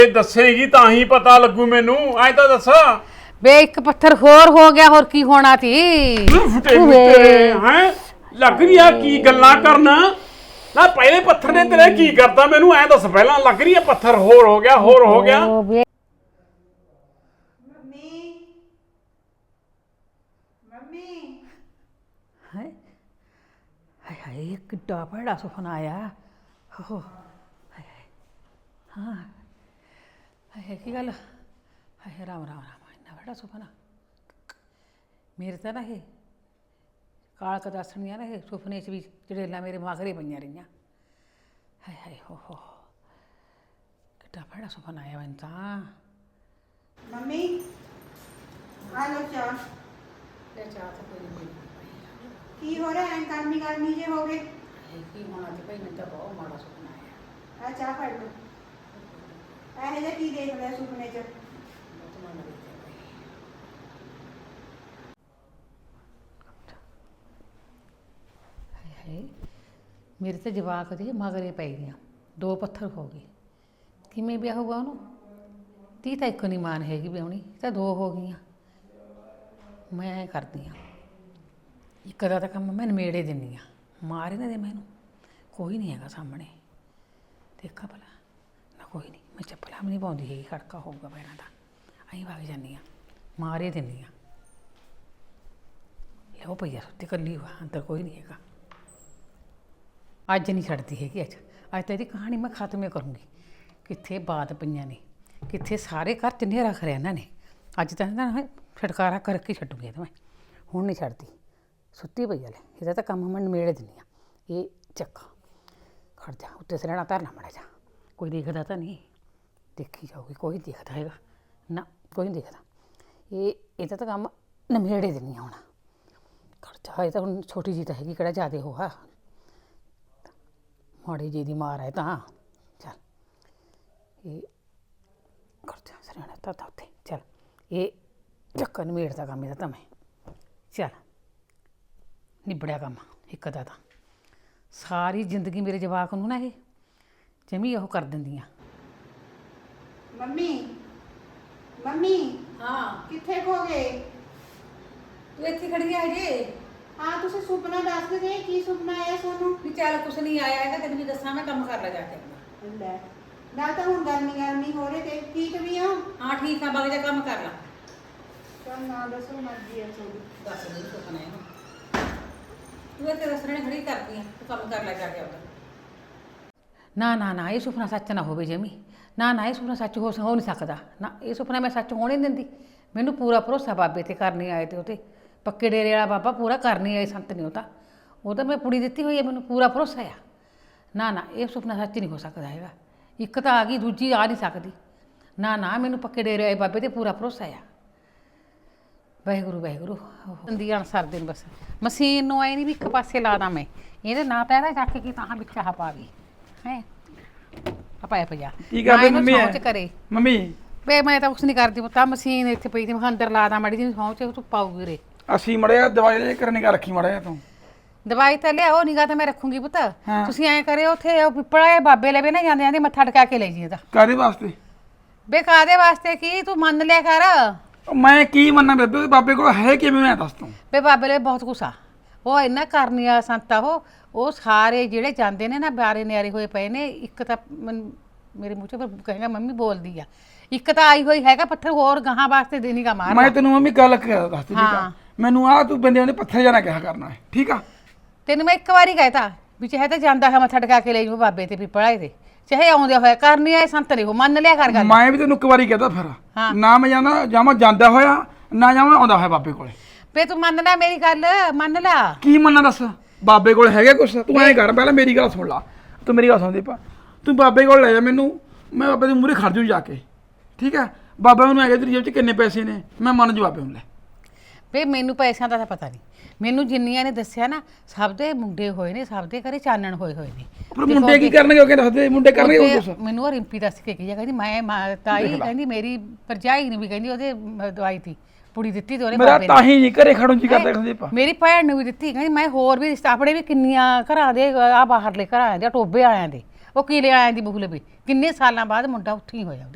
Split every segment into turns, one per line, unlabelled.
ਦੱਸੇਗੀ ਤਾਂ ਹੀ ਪਤਾ ਲੱਗੂ ਮੈਨੂੰ। ਐ ਤਾਂ ਦੱਸ
ਬੇ ਇੱਕ ਪੱਥਰ ਹੋਰ ਹੋ ਗਿਆ, ਹੋਰ ਕੀ ਹੋਣਾ ਸੀ?
ਫਟੇ ਤੇਰੇ ਹੈ ਲੱਗ ਰਹੀ ਆ ਕੀ ਗੱਲਾਂ ਕਰਨਾ ਨਾ। ਪਹਿਲੇ ਪੱਥਰ ਨੇ ਤੇਰੇ ਕੀ ਕਰਦਾ ਮੈਨੂੰ ਐ ਦੱਸ ਪਹਿਲਾਂ। ਲੱਗ ਰਹੀ ਆ ਪੱਥਰ ਹੋਰ ਹੋ ਗਿਆ, ਹੋਰ ਹੋ ਗਿਆ।
ਹਾਏ ਹਾਏ ਕਿੱਡਾ ਭੈੜਾ ਸੁਪਨਾ ਆਇਆ। ਹੋ ਹਾਏ ਹਾਂ ਹਾਏ ਕੀ ਗੱਲ? ਹਾਏ ਰਾਮ ਰਾਮ ਰਾਮ, ਇੰਨਾ ਭੈੜਾ ਸੁਪਨਾ ਮੇਰੇ ਤਾਂ ਨਾ। ਇਹ ਕਾਲਕ ਦੱਸਣੀਆਂ ਨਾ, ਇਹ ਸੁਪਨੇ 'ਚ ਵੀ ਚੜੇਲਾਂ ਮੇਰੇ ਮਾਗਰੇ ਪਈਆਂ ਰਹੀਆਂ। ਹਾਏ ਹਾਏ ਹੋ ਕਿੱਡਾ ਭੈੜਾ ਸੁਪਨਾ ਆਇਆ ਮੈਨੂੰ ਤਾਂ।
ਮੰਮੀ ਆ ਲੋ ਚਾਹ।
ਤੇ ਚਾਹ ਤਾਂ ਕੋਈ ਨਹੀਂ
ਕੀ ਹੋ ਰਿਹਾ? ਐਂ ਗਰਮੀ ਜੇ ਹੋ ਗਏ।
ਕੀ ਹੋਣਾ ਤੇ ਭਾਈ ਮੈਨੂੰ ਤਾਂ ਬਹੁਤ ਮਾੜਾ ਸੁਪਨਾ ਆਇਆ।
ਆ ਚਾਹ ਫੜ ਲੋ। ਇਹ ਜਿਹਾ ਕੀ ਦੇਖ ਲਿਆ ਸੁਪਨੇ 'ਚ?
ਮੇਰੇ ਤੇ ਜਵਾਕ ਦੇ ਮਗਰੇ ਪੈ ਗਈਆਂ। 2 ਪੱਥਰ ਹੋ ਗਏ। ਕਿਵੇਂ ਵਿਆਹ ਹੋਊਗਾ ਉਹਨੂੰ? 30 ਤਾਂ ਇੱਕ ਨਹੀਂ ਮਾਨ ਹੈਗੀ ਵਿਆਹੁਣੀ, ਤਾਂ 2 ਹੋ ਗਈਆਂ। ਮੈਂ ਐਂ ਕਰਦੀ ਹਾਂ, ਇੱਕ ਦਾ ਤਾਂ ਕੰਮ ਮੈਂ ਨਿਬੇੜੇ ਦਿੰਦੀ ਹਾਂ। ਮਾਰ ਇਹਨਾਂ ਦੇ ਮੈਨੂੰ ਕੋਈ ਨਹੀਂ ਹੈਗਾ ਸਾਹਮਣੇ। ਦੇਖਾ ਭਲਾ ਨਾ ਕੋਈ ਨਹੀਂ। ਮੈਂ ਚੱਪਲਾਂ ਵੀ ਨਹੀਂ ਪਾਉਂਦੀ ਹੈਗੀ, ਖੜਕਾ ਹੋਊਗਾ ਪੈਰਾਂ ਦਾ। ਅਸੀਂ ਵਗ ਜਾਂਦੀ ਹਾਂ, ਮਾਰੇ ਦਿੰਦੀ ਹਾਂ। ਲਓ ਪਈਆ ਸੁੱਤੀ ਇਕੱਲੀ ਵਾ, ਅੰਦਰ ਕੋਈ ਨਹੀਂ ਹੈਗਾ। ਅੱਜ ਨਹੀਂ ਛੱਡਦੀ ਹੈਗੀ। ਅੱਜ ਤਾਂ ਇਹਦੀ ਕਹਾਣੀ ਮੈਂ ਖਤਮ ਕਰੂੰਗੀ। ਕਿੱਥੇ ਬਾਤ ਪਈਆਂ ਨੇ, ਕਿੱਥੇ ਸਾਰੇ ਘਰ 'ਚ ਹਨੇਰਾ ਖਰਿਆ ਇਹਨਾਂ ਨੇ। ਅੱਜ ਤਾਂ ਇਹਨਾਂ ਛਟਕਾਰਾ ਕਰਕੇ ਛੱਡੂਗੀ ਇਹ ਤਾਂ ਮੈਂ। ਹੁਣ ਨਹੀਂ ਛੱਡਦੀ। ਸੁੱਤੀ ਪਈ ਲੈ, ਇਹਦਾ ਤਾਂ ਕੰਮ ਮੈਂ ਨਿਬੇੜੇ ਦਿੰਦੀ ਹਾਂ। ਇਹ ਚੱਕਾ ਖੜ ਜਾ, ਉੱਤੇ ਸਰਣਾ ਧਰਨਾ ਮਾੜਾ ਜਾ। ਕੋਈ ਦੇਖਦਾ ਤਾਂ ਨਹੀਂ? ਦੇਖੀ ਜਾਊਗੀ, ਕੋਈ ਦੇਖਦਾ ਹੈਗਾ ਨਾ? ਕੋਈ ਨਹੀਂ ਦੇਖਦਾ। ਇਹਦਾ ਤਾਂ ਕੰਮ ਨਿਬੇੜੇ ਦਿੰਦੀ ਹਾਂ ਹੁਣ। ਖੜ ਜਾ, ਇਹ ਤਾਂ ਹੁਣ ਛੋਟੀ ਜਿਹੀ ਤਾਂ ਹੈਗੀ, ਕਿਹੜਾ ਜ਼ਿਆਦਾ ਉਹ ਆ। ਮਾੜੀ ਜੀ ਦੀ ਮਾਰ ਹੈ ਤਾਂ। ਚੱਲ ਇਹ ਖੜ ਜਾ, ਸਰਣਾ ਧਰਦਾ ਉੱਤੇ। ਚੱਲ ਇਹ ਚੱਕਾ ਨਿਬੇੜਦਾ ਕੰਮ ਇਹਦਾ ਤਾਂ ਮੈਂ। ਚੱਲ ਨਿਬੜਿਆ ਕੰਮ ਇੱਕ ਦਾ ਤਾਂ। ਸਾਰੀ ਜ਼ਿੰਦਗੀ ਮੇਰੇ ਜਵਾਕ ਨੂੰ ਨਾ ਇਹ ਜਮੀ ਉਹ ਕਰ ਦਿੰਦੀਆਂ।
ਮੰਮੀ ਮੰਮੀ
ਹਾਂ
ਕਿੱਥੇ ਖੋ ਗਏ?
ਤੂੰ ਇੱਥੇ ਖੜੀ ਆ ਜੇ।
ਹਾਂ ਤੁਸੀਂ ਸੁਪਨਾ ਦੱਸ ਦੇ, ਕੀ ਸੁਪਨਾ ਆਇਆ ਤੁਹਾਨੂੰ?
ਵੀ ਚੱਲ ਕੁਛ ਨਹੀਂ ਆਇਆ ਹੈਗਾ, ਤੈਨੂੰ ਵੀ ਦੱਸਾਂ ਮੈਂ ਕੰਮ ਕਰ ਲੈ ਜਾ ਕੇ।
ਲੈ ਨਾ ਤਾਂ ਹੁਣ ਗਰਮੀ ਹੋ ਰਹੀ ਤੇ ਠੀਕ ਵੀ ਆ।
ਹਾਂ ਠੀਕ ਆ, ਬਾਕੀ ਦਾ ਕੰਮ ਕਰ ਲੈ।
ਚੱਲ ਨਾ ਦੱਸੋ, ਮਰਜ਼ੀ ਹੈ ਤੁਹਾਡੀ।
ਦੱਸ ਦੇ ਸੁਪਨਾ ਇਹਨੂੰ। ਤੂੰ ਇੱਥੇ ਦੱਸਣੇ ਖੜੀ ਕਰਦੀ ਆ, ਤੂੰ ਕੰਮ ਕਰ ਲੈ ਜਾ ਕੇ ਆਪਦਾ। ਨਾ ਨਾ ਨਾ, ਇਹ ਸੁਪਨਾ ਸੱਚ ਨਾ ਹੋਵੇ ਜਮੀ। ਨਾ ਨਾ, ਇਹ ਸੁਪਨਾ ਸੱਚ ਹੋ ਨਹੀਂ ਸਕਦਾ। ਨਾ ਇਹ ਸੁਪਨਾ ਮੈਂ ਸੱਚ ਹੋਣ ਹੀ ਨਹੀਂ ਦਿੰਦੀ। ਮੈਨੂੰ ਪੂਰਾ ਭਰੋਸਾ ਬਾਬੇ ਤੇ ਕਰਨੀ ਆਏ ਤੇ ਉਹਤੇ ਪੱਕੇ ਡੇਰੇ ਵਾਲਾ ਬਾਬਾ ਪੂਰਾ ਕਰਨੀ ਆਏ ਸੰਤ ਨੇ। ਉਹ ਤਾਂ ਮੈਂ ਪੁੜੀ ਦਿੱਤੀ ਹੋਈ ਹੈ, ਮੈਨੂੰ ਪੂਰਾ ਭਰੋਸਾ ਆ। ਨਾ ਨਾ, ਇਹ ਸੁਪਨਾ ਸੱਚ ਨਹੀਂ ਹੋ ਸਕਦਾ ਹੈਗਾ। ਇੱਕ ਤਾਂ ਆ ਗਈ, ਦੂਜੀ ਆ ਨਹੀਂ ਸਕਦੀ। ਨਾ ਨਾ, ਮੈਨੂੰ ਪੱਕੇ ਡੇਰੇ ਵਾਲੇ ਬਾਬੇ ਤੇ ਪੂਰਾ ਭਰੋਸਾ ਆ। ਵਾਹਿਗੁਰੂ ਵਾਹਿਗੁਰੂ ਹੁੰਦੀ ਅਨਸਰ ਦਿਨ ਬਸ। ਮਸ਼ੀਨ ਨੂੰ ਆਏ ਨਹੀਂ ਵੀ ਇੱਕ ਪਾਸੇ ਲਾ ਦਾਂ ਮੈਂ। ਇਹਦੇ ਨਾ ਪੈਦਾ ਚੱਕ ਕੇ ਤਾਂ ਵਿੱਚ ਆਹ ਪਾ ਗਈ ਹੈ ਆਪਾਂ ਪਿਆ।
ਕੀ ਕਰਦੇ ਮੰਮੀ?
ਸੌਂਚ ਕਰੇ
ਮੰਮੀ
ਵੇ ਮੈਂ ਤਾਂ ਕੁਛ ਨਹੀਂ ਕਰਦੀ ਪੁੱਤਾ। ਮਸ਼ੀਨ ਇੱਥੇ ਪਈ ਤੇ ਮੈਂ ਅੰਦਰ ਲਾ ਦਾਂ ਮਾੜੀ ਜਿਹੀ ਸੌਂਚ ਤੂੰ ਪਾਊਗੀ ਰੇ।
ਅਸੀਂ ਮੜਿਆ ਦਵਾਈ ਲੈ ਕੇ ਨਿਗਾ ਰੱਖੀ ਮੜਿਆ ਤੂੰ।
ਦਵਾਈ ਤਾਂ ਲਿਆਓ, ਨਿਗਾ ਤਾਂ ਮੈਂ ਰੱਖੂੰਗੀ ਪੁੱਤ। ਤੁਸੀਂ ਐਂ ਕਰਿਓ, ਉੱਥੇ ਉਹ ਪਿੱਪਲਾ ਬਾਬੇ ਲਵੇ ਨਾ ਜਾਂਦੇ ਮੱਥਾ ਟਕਾ ਕੇ ਲੈ ਜੀ ਇਹਦਾ।
ਕਾਹਦੇ ਵਾਸਤੇ?
ਬੇ ਕਾਹਦੇ ਵਾਸਤੇ ਕੀ, ਤੂੰ ਮੰਨ ਲਿਆ ਕਰ।
ਮੈਂ ਕੀ ਮੰਨਾਂ ਬੇਬੇ? ਬਾਬੇ ਕੋਲ ਹੈ ਕਿਵੇਂ? ਮੈਂ ਦੱਸ ਤੂੰ।
ਬੇ ਬਾਬੇ ਲਈ ਬਹੁਤ ਕੁਛ ਆ। ਉਹ ਇੰਨਾ ਕਰਨੀ ਆ ਸੰਤ ਆ। ਉਹ ਸਾਰੇ ਜਿਹੜੇ ਜਾਂਦੇ ਨੇ ਨਾ ਬਾਰੇ ਨਿਆਰੇ ਹੋਏ ਪਏ ਨੇ। ਇੱਕ ਤਾਂ ਮੇਰੇ ਮੂੰਹ 'ਚ ਕਹੇਗਾ ਮੰਮੀ ਬੋਲਦੀ ਆ। ਇੱਕ ਤਾਂ ਆਈ ਹੋਈ ਹੈਗਾ ਪੱਥਰ ਹੋਰ ਗਾਹਾਂ ਵਾਸਤੇ ਦੇਣੀ ਕਾ ਮਾਰ।
ਮੈਂ ਤੈਨੂੰ ਮੰਮੀ ਗੱਲ ਦੱਸ ਠੀਕ ਆ। ਮੈਨੂੰ ਆ ਤੂੰ ਬੰਦਿਆਂ ਦੇ ਪੱਥਰ ਜਾਣਾ ਕਿਹਾ ਕਰਨਾ ਹੈ, ਠੀਕ ਆ?
ਤੈਨੂੰ ਮੈਂ ਇੱਕ ਵਾਰੀ ਕਹਿਤਾ ਵੀ ਚਾਹੇ ਤਾਂ ਜਾਂਦਾ ਹੈ ਮੱਥਾ ਟਕਾ ਕੇ ਲੈ ਜਾਓ ਬਾਬੇ ਤੇ ਪਿੱਪਲਾ ਤੇ, ਚਾਹੇ ਆਉਂਦੇ ਹੋਇਆ ਕਰਨੀ ਆ ਸੰਤ ਨੇ। ਉਹ ਮੰਨ ਲਿਆ ਕਰ ਗੱਲ।
ਮੈਂ ਵੀ ਤੈਨੂੰ ਇੱਕ ਵਾਰੀ ਕਹਤਾ ਫਿਰ ਨਾ ਮੈਂ ਜਾਂਦਾ ਹੋਇਆ ਨਾ ਜਾਵਾਂ ਆਉਂਦਾ ਹੋਇਆ ਬਾਬੇ ਕੋਲੇ।
ਵੇ ਤੂੰ ਮੰਨ ਲੈ ਮੇਰੀ ਗੱਲ, ਮੰਨ ਲੈ।
ਕੀ ਮੰਨਾਂ ਦੱਸ? ਬਾਬੇ ਕੋਲ ਹੈਗਾ ਕੁਛ? ਤੂੰ ਐਂ ਕਰ, ਪਹਿਲਾਂ ਮੇਰੀ ਗੱਲ ਸੁਣ ਲਾ। ਤੂੰ ਮੇਰੀ ਗੱਲ ਸੁਣ ਦੀਪਾ। ਤੂੰ ਬਾਬੇ ਕੋਲ ਲੈ ਜਾ ਮੈਨੂੰ, ਮੈਂ ਬਾਬੇ ਦੇ ਮੂਹਰੇ ਖੜ ਜੂ ਜਾ ਕੇ, ਠੀਕ ਹੈ? ਬਾਬਾ ਮੈਨੂੰ ਹੈਗਾ ਤੇਰੀ ਜੇਬ 'ਚ ਕਿੰਨੇ ਪੈਸੇ ਨੇ, ਮੈਂ ਮੰਨ ਜੂ ਬਾਬੇ ਨੂੰ। ਲੈ
ਵੇ ਮੈਨੂੰ ਪੈਸਿਆਂ ਦਾ ਤਾਂ ਪਤਾ ਨਹੀਂ। ਮੈਨੂੰ ਜਿੰਨੀਆਂ ਨੇ ਦੱਸਿਆ ਨਾ, ਸਭ ਦੇ ਮੁੰਡੇ ਹੋਏ ਨੇ, ਸਭ ਦੇ ਘਰੇ ਚਾਨਣ ਹੋਏ ਨੇ।
ਪਰ ਮੁੰਡੇ ਕੀ ਕਰਨਗੇ? ਉਹ ਕਹਿੰਦੇ ਦੱਸਦੇ ਮੁੰਡੇ ਕਰਨਗੇ ਉਹ ਕੁਛ।
ਮੈਨੂੰ ਉਹ ਰਿੰਪੀ ਦੱਸ ਕੇ ਗਈ ਆ, ਕਹਿੰਦੀ ਮੈਂ ਤਾਈ ਕਹਿੰਦੀ ਮੇਰੀ ਭਰਜਾਈ ਨੂੰ ਵੀ ਕਹਿੰਦੀ ਉਹਦੇ ਦਵਾਈ ਤੀ ਪੁੜੀ ਦਿੱਤੀ ਤੇ ਉਹਨੇ
ਮੇਰਾ ਤਾਂ ਹੀ ਨਹੀਂ ਘਰੇ ਖੜਨ ਜੀ ਕਰਦਾ ਦੀਪਾ।
ਮੇਰੀ ਭੈਣ ਨੂੰ ਵੀ ਦਿੱਤੀ। ਕਹਿੰਦੀ ਮੈਂ ਹੋਰ ਵੀ ਆਪਣੇ ਵੀ ਕਿੰਨੀਆਂ ਘਰਾਂ ਦੇ ਬਾਹਰਲੇ ਘਰਾਂ ਦੇ ਟੋਬੇ ਆਇਆਂ ਦੇ ਉਹ ਕੀਲੇ ਆਇਆਂ ਦੀ ਬਹੂ ਲਵੇ। ਕਿੰਨੇ ਸਾਲਾਂ ਬਾਅਦ ਮੁੰਡਾ ਉੱਥੇ ਹੀ ਹੋਇਆ ਉਹਦੇ।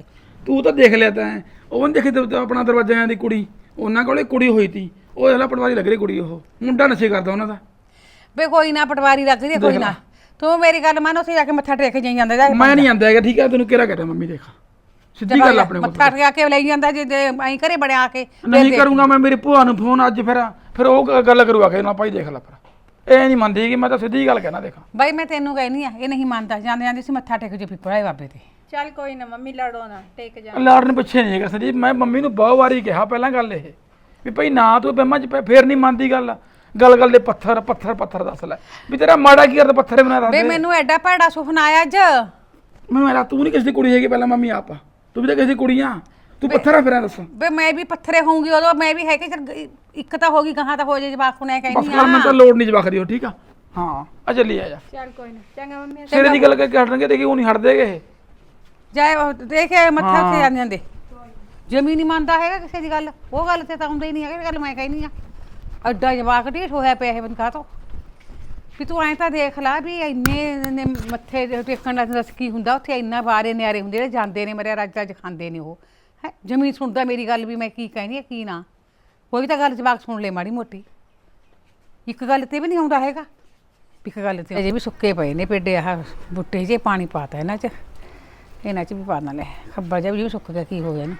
ਤੂੰ ਤਾਂ ਦੇਖ ਲਿਆ ਤਾਂ ਉਹ ਨੀ ਦੇਖੀ ਆਪਣਾ ਦਰਵਾਜ਼ਿਆਂ ਦੀ ਕੁੜੀ, ਉਹਨਾਂ ਕੋਲੇ ਕੁੜੀ ਹੋਈ ਤੀ, ਉਹ ਇਹਲਾ ਪਟਵਾਰੀ ਲੱਗ ਰਹੀ ਕੁੜੀ, ਉਹ ਮੁੰਡਾ ਨਸ਼ੇ ਕਰਦਾ ਉਹਨਾਂ ਦਾ।
ਵੇ ਕੋਈ ਨਾ ਪਟਵਾਰੀ ਲੱਗ ਰਹੀ ਕੋਈ ਨਾ, ਤੂੰ ਮੇਰੀ ਗੱਲ ਮੰਨ, ਉੱਥੇ ਜਾ ਕੇ ਮੱਥਾ ਟੇਕ ਜਾਈ ਜਾਂਦਾ ਜਾ ਕੇ।
ਮੈਂ ਨਹੀਂ ਆਂਦਾ ਹੈਗਾ, ਠੀਕ ਹੈ, ਤੈਨੂੰ ਕਿਹੜਾ ਕਹਤਾ ਮੰਮੀ, ਦੇਖ ਸਿੱਧੀ ਗੱਲ ਆਪਣੇ ਕੋਲ
ਮੱਥਾ ਟੇਕ ਕੇ ਲਈ ਜਾਂਦਾ, ਜੇ ਐਂ ਘਰੇ ਬੜਿਆ ਕੇ
ਨਹੀਂ ਕਰੂੰਗਾ ਮੈਂ ਮੇਰੀ ਭੂਆ ਨੂੰ ਫੋਨ ਅੱਜ, ਫਿਰ ਉਹ ਗੱਲ ਕਰੂਗਾ ਕਿ ਨਾ ਭਾਈ ਦੇਖ ਲੈ, ਫਿਰ ਇਹ ਨਹੀਂ ਮੰਨਦੀ ਕਿ ਮੈਂ ਤਾਂ ਸਿੱਧੀ ਗੱਲ ਕਹਿਣਾ। ਦੇਖਾਂ
ਬਾਈ ਮੈਂ ਤੈਨੂੰ ਕਹਿਨੀ ਆ, ਇਹ ਨਹੀਂ ਮੰਨਦਾ, ਜਾਂਦੇ ਜਾਂਦੇ ਸੀ ਮੱਥਾ ਟੇਕ ਜੋ ਪਿੱਪੜਾ ਬਾਬੇ ਤੇ।
ਚੱਲ ਕੋਈ ਨਾ ਮੰਮੀ, ਲੜੋ ਨਾ, ਟੇਕ ਜਾ।
ਲਾੜਨ ਪਿੱਛੇ ਨਹੀਂ ਹੈਗਾ ਸੰਦੀਪ, ਮੈਂ ਮੰਮੀ ਨੂੰ ਬਹੁਤ ਵਾਰੀ ਕਿਹਾ ਪਹਿਲਾਂ ਗੱਲ ਇਹ ਵੀ ਭਾਈ ਨਾ ਤੂੰ ਬਹਿਮਾਂ ਚ ਫੇਰ ਨਹੀਂ ਮੰਨਦੀ ਗੱਲ ਦੇ ਪੱਥਰ ਦੱਸ ਲੈ ਵੀ ਤੇਰਾ ਮਾੜਾ ਕੀ ਕਰਦਾ, ਪੱਥਰ ਬਣਾ ਦੱਸ
ਵੇ ਮੈਨੂੰ ਐਡਾ ਭੈੜਾ ਸੁਪਨਾ ਆਇਆ ਅੱਜ।
ਮੈਨੂੰ ਐਲਾ ਤੂੰ ਨਹੀਂ ਕਿਸੇ ਦੀ ਕੁੜੀ ਹੈਗੀ, ਪਹਿਲਾਂ ਮੰਮੀ ਆਪ ਆ, ਤੂੰ ਵੀ ਤਾਂ ਕਿਸੇ ਦੀ ਕੁੜੀ ਆ, ਤੂੰ ਪੱਥਰ ਆ ਫਿਰ ਦੱਸ।
ਵੇ ਮੈਂ ਵੀ ਪੱਥਰੇ ਹੋਊਂਗੀ ਉਦੋਂ, ਮੈਂ ਵੀ ਹੈ ਕਿ ਇੱਕ ਤਾਂ ਹੋ ਗਈ, ਗਾਹਾਂ ਤਾਂ ਹੋ ਜੇ, ਜਵਾਕ ਨੂੰ
ਬਸ
ਕਹਿੰਦੀ
ਕਰ, ਮੈਨੂੰ ਤਾਂ ਲੋੜ ਨਹੀਂ ਜਵਾਕ ਦੀ, ਉਹ ਠੀਕ ਆ। ਹਾਂ ਆ ਚੱਲੀ ਆ ਜਾ,
ਚੱਲ ਕੋਈ ਨਾ, ਚੰਗਾ ਮੰਮੀ।
ਸਿਰੇ ਦੀ ਗੱਲ ਕਰਕੇ ਹਟਣਗੇ ਤੇ ਕਿ ਉਹ ਨਹੀਂ ਹਟਦੇਗੇ ਇਹ।
ਜਾਏ ਦੇਖੇ ਮੱਥਾ ਉੱਥੇ ਜਾਂਦੇ ਜਾਂਦੇ ਜਮੀ ਨਹੀਂ ਮੰਨਦਾ ਹੈਗਾ ਕਿਸੇ ਦੀ ਗੱਲ, ਉਹ ਗੱਲ ਤੇ ਤਾਂ ਆਉਂਦਾ ਹੀ ਨਹੀਂ ਹੈਗਾ, ਗੱਲ ਮੈਂ ਕਹਿੰਦੀ ਆ। ਅੱਡਾ ਜਵਾਕ ਢੀਠ ਹੋਇਆ ਪਿਆ ਇਹ ਬੰਦਾ ਤੋਂ, ਵੀ ਤੂੰ ਐਂ ਤਾਂ ਦੇਖ ਲਾ ਵੀ ਇੰਨੇ ਮੱਥੇ ਟੇਕਣ ਦਾ ਦੱਸ ਕੀ ਹੁੰਦਾ ਉੱਥੇ, ਇੰਨਾ ਬਾਰੇ ਨਿਆਰੇ ਹੁੰਦੇ ਜਿਹੜੇ ਜਾਂਦੇ ਨੇ ਮਰਿਆ ਰਾਜਾ ਅੱਜ ਖਾਂਦੇ ਨੇ ਉਹ ਹੈ। ਜਮੀ ਸੁਣਦਾ ਮੇਰੀ ਗੱਲ ਵੀ ਮੈਂ ਕੀ ਕਹਿੰਦੀ ਆ ਕੀ ਨਾ, ਕੋਈ ਤਾਂ ਗੱਲ ਜਵਾਕ ਸੁਣ ਲੈ ਮਾੜੀ ਮੋਟੀ, ਇੱਕ ਗੱਲ ਤੇ ਵੀ ਨਹੀਂ ਆਉਂਦਾ ਹੈਗਾ। ਇੱਕ ਗੱਲ ਤੇ ਅਜੇ ਵੀ ਸੁੱਕੇ ਪਏ ਨੇ ਪੇਡੇ, ਆਹ ਬੂਟੇ ਜੇ ਪਾਣੀ ਪਾਤਾ ਇਹਨਾਂ 'ਚ ਵੀ ਪਾ ਲੈ, ਖੱਬਾ ਜਿਹਾ ਵੀ ਸੁੱਕ ਗਿਆ, ਕੀ ਹੋ ਗਿਆ ਨਾ।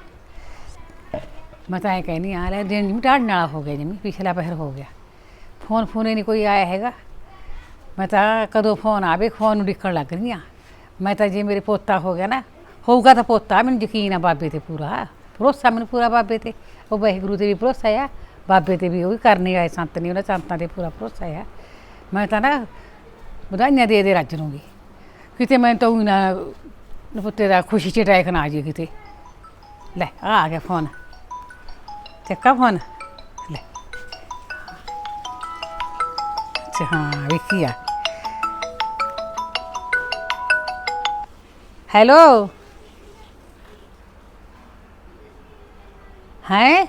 ਮੈਂ ਤਾਂ ਐਂ ਕਹਿੰਦੀ ਆ ਲੈ ਦਿਨ ਜਿਵੇਂ ਢਾੜਨ ਵਾਲਾ ਹੋ ਗਿਆ, ਜਿਵੇਂ ਪਿਛਲਾ ਪਹਿਰ ਹੋ ਗਿਆ, ਫੋਨ ਨਹੀਂ ਕੋਈ ਆਇਆ ਹੈਗਾ। ਮੈਂ ਤਾਂ ਕਦੋਂ ਫੋਨ ਆਵੇ ਫੋਨ ਨੂੰ ਡਿੱਕਣ ਲੱਗ ਰਹੀ ਹਾਂ। ਮੈਂ ਤਾਂ ਜੇ ਮੇਰੇ ਪੋਤਾ ਹੋ ਗਿਆ ਨਾ, ਹੋਊਗਾ ਤਾਂ ਪੋਤਾ, ਮੈਨੂੰ ਯਕੀਨ ਆ ਬਾਬੇ ਤੇ ਪੂਰਾ ਭਰੋਸਾ, ਮੈਨੂੰ ਪੂਰਾ ਬਾਬੇ ਤੇ, ਉਹ ਵਾਹਿਗੁਰੂ ਤੇ ਵੀ ਭਰੋਸਾ ਆ, ਬਾਬੇ ਤੇ ਵੀ ਉਹ ਵੀ ਕਰਨੇ ਆਏ ਸੰਤ ਨੇ, ਉਹਨਾਂ ਸੰਤਾਂ ਤੇ ਪੂਰਾ ਭਰੋਸਾ ਆ। ਮੈਂ ਤਾਂ ਨਾ ਵਧਾਈਆਂ ਦੇ ਰੱਜ ਲੂੰਗੀ, ਕਿਤੇ ਮੈਂ ਤਾਂ ਨਾ ਪੁੱਤੇ ਦਾ ਖੁਸ਼ੀ 'ਚ ਅਟੈਕ ਨਾ ਆ ਜੇ ਕਿਤੇ। ਲੈ ਆ ਗਿਆ ਫੋਨ, ਚੱਕਾ ਫੋਨ ਲੈ। ਅੱਛਾ ਹਾਂ ਵਿੱਕੀ ਆ। ਹੈਲੋ ਹੈ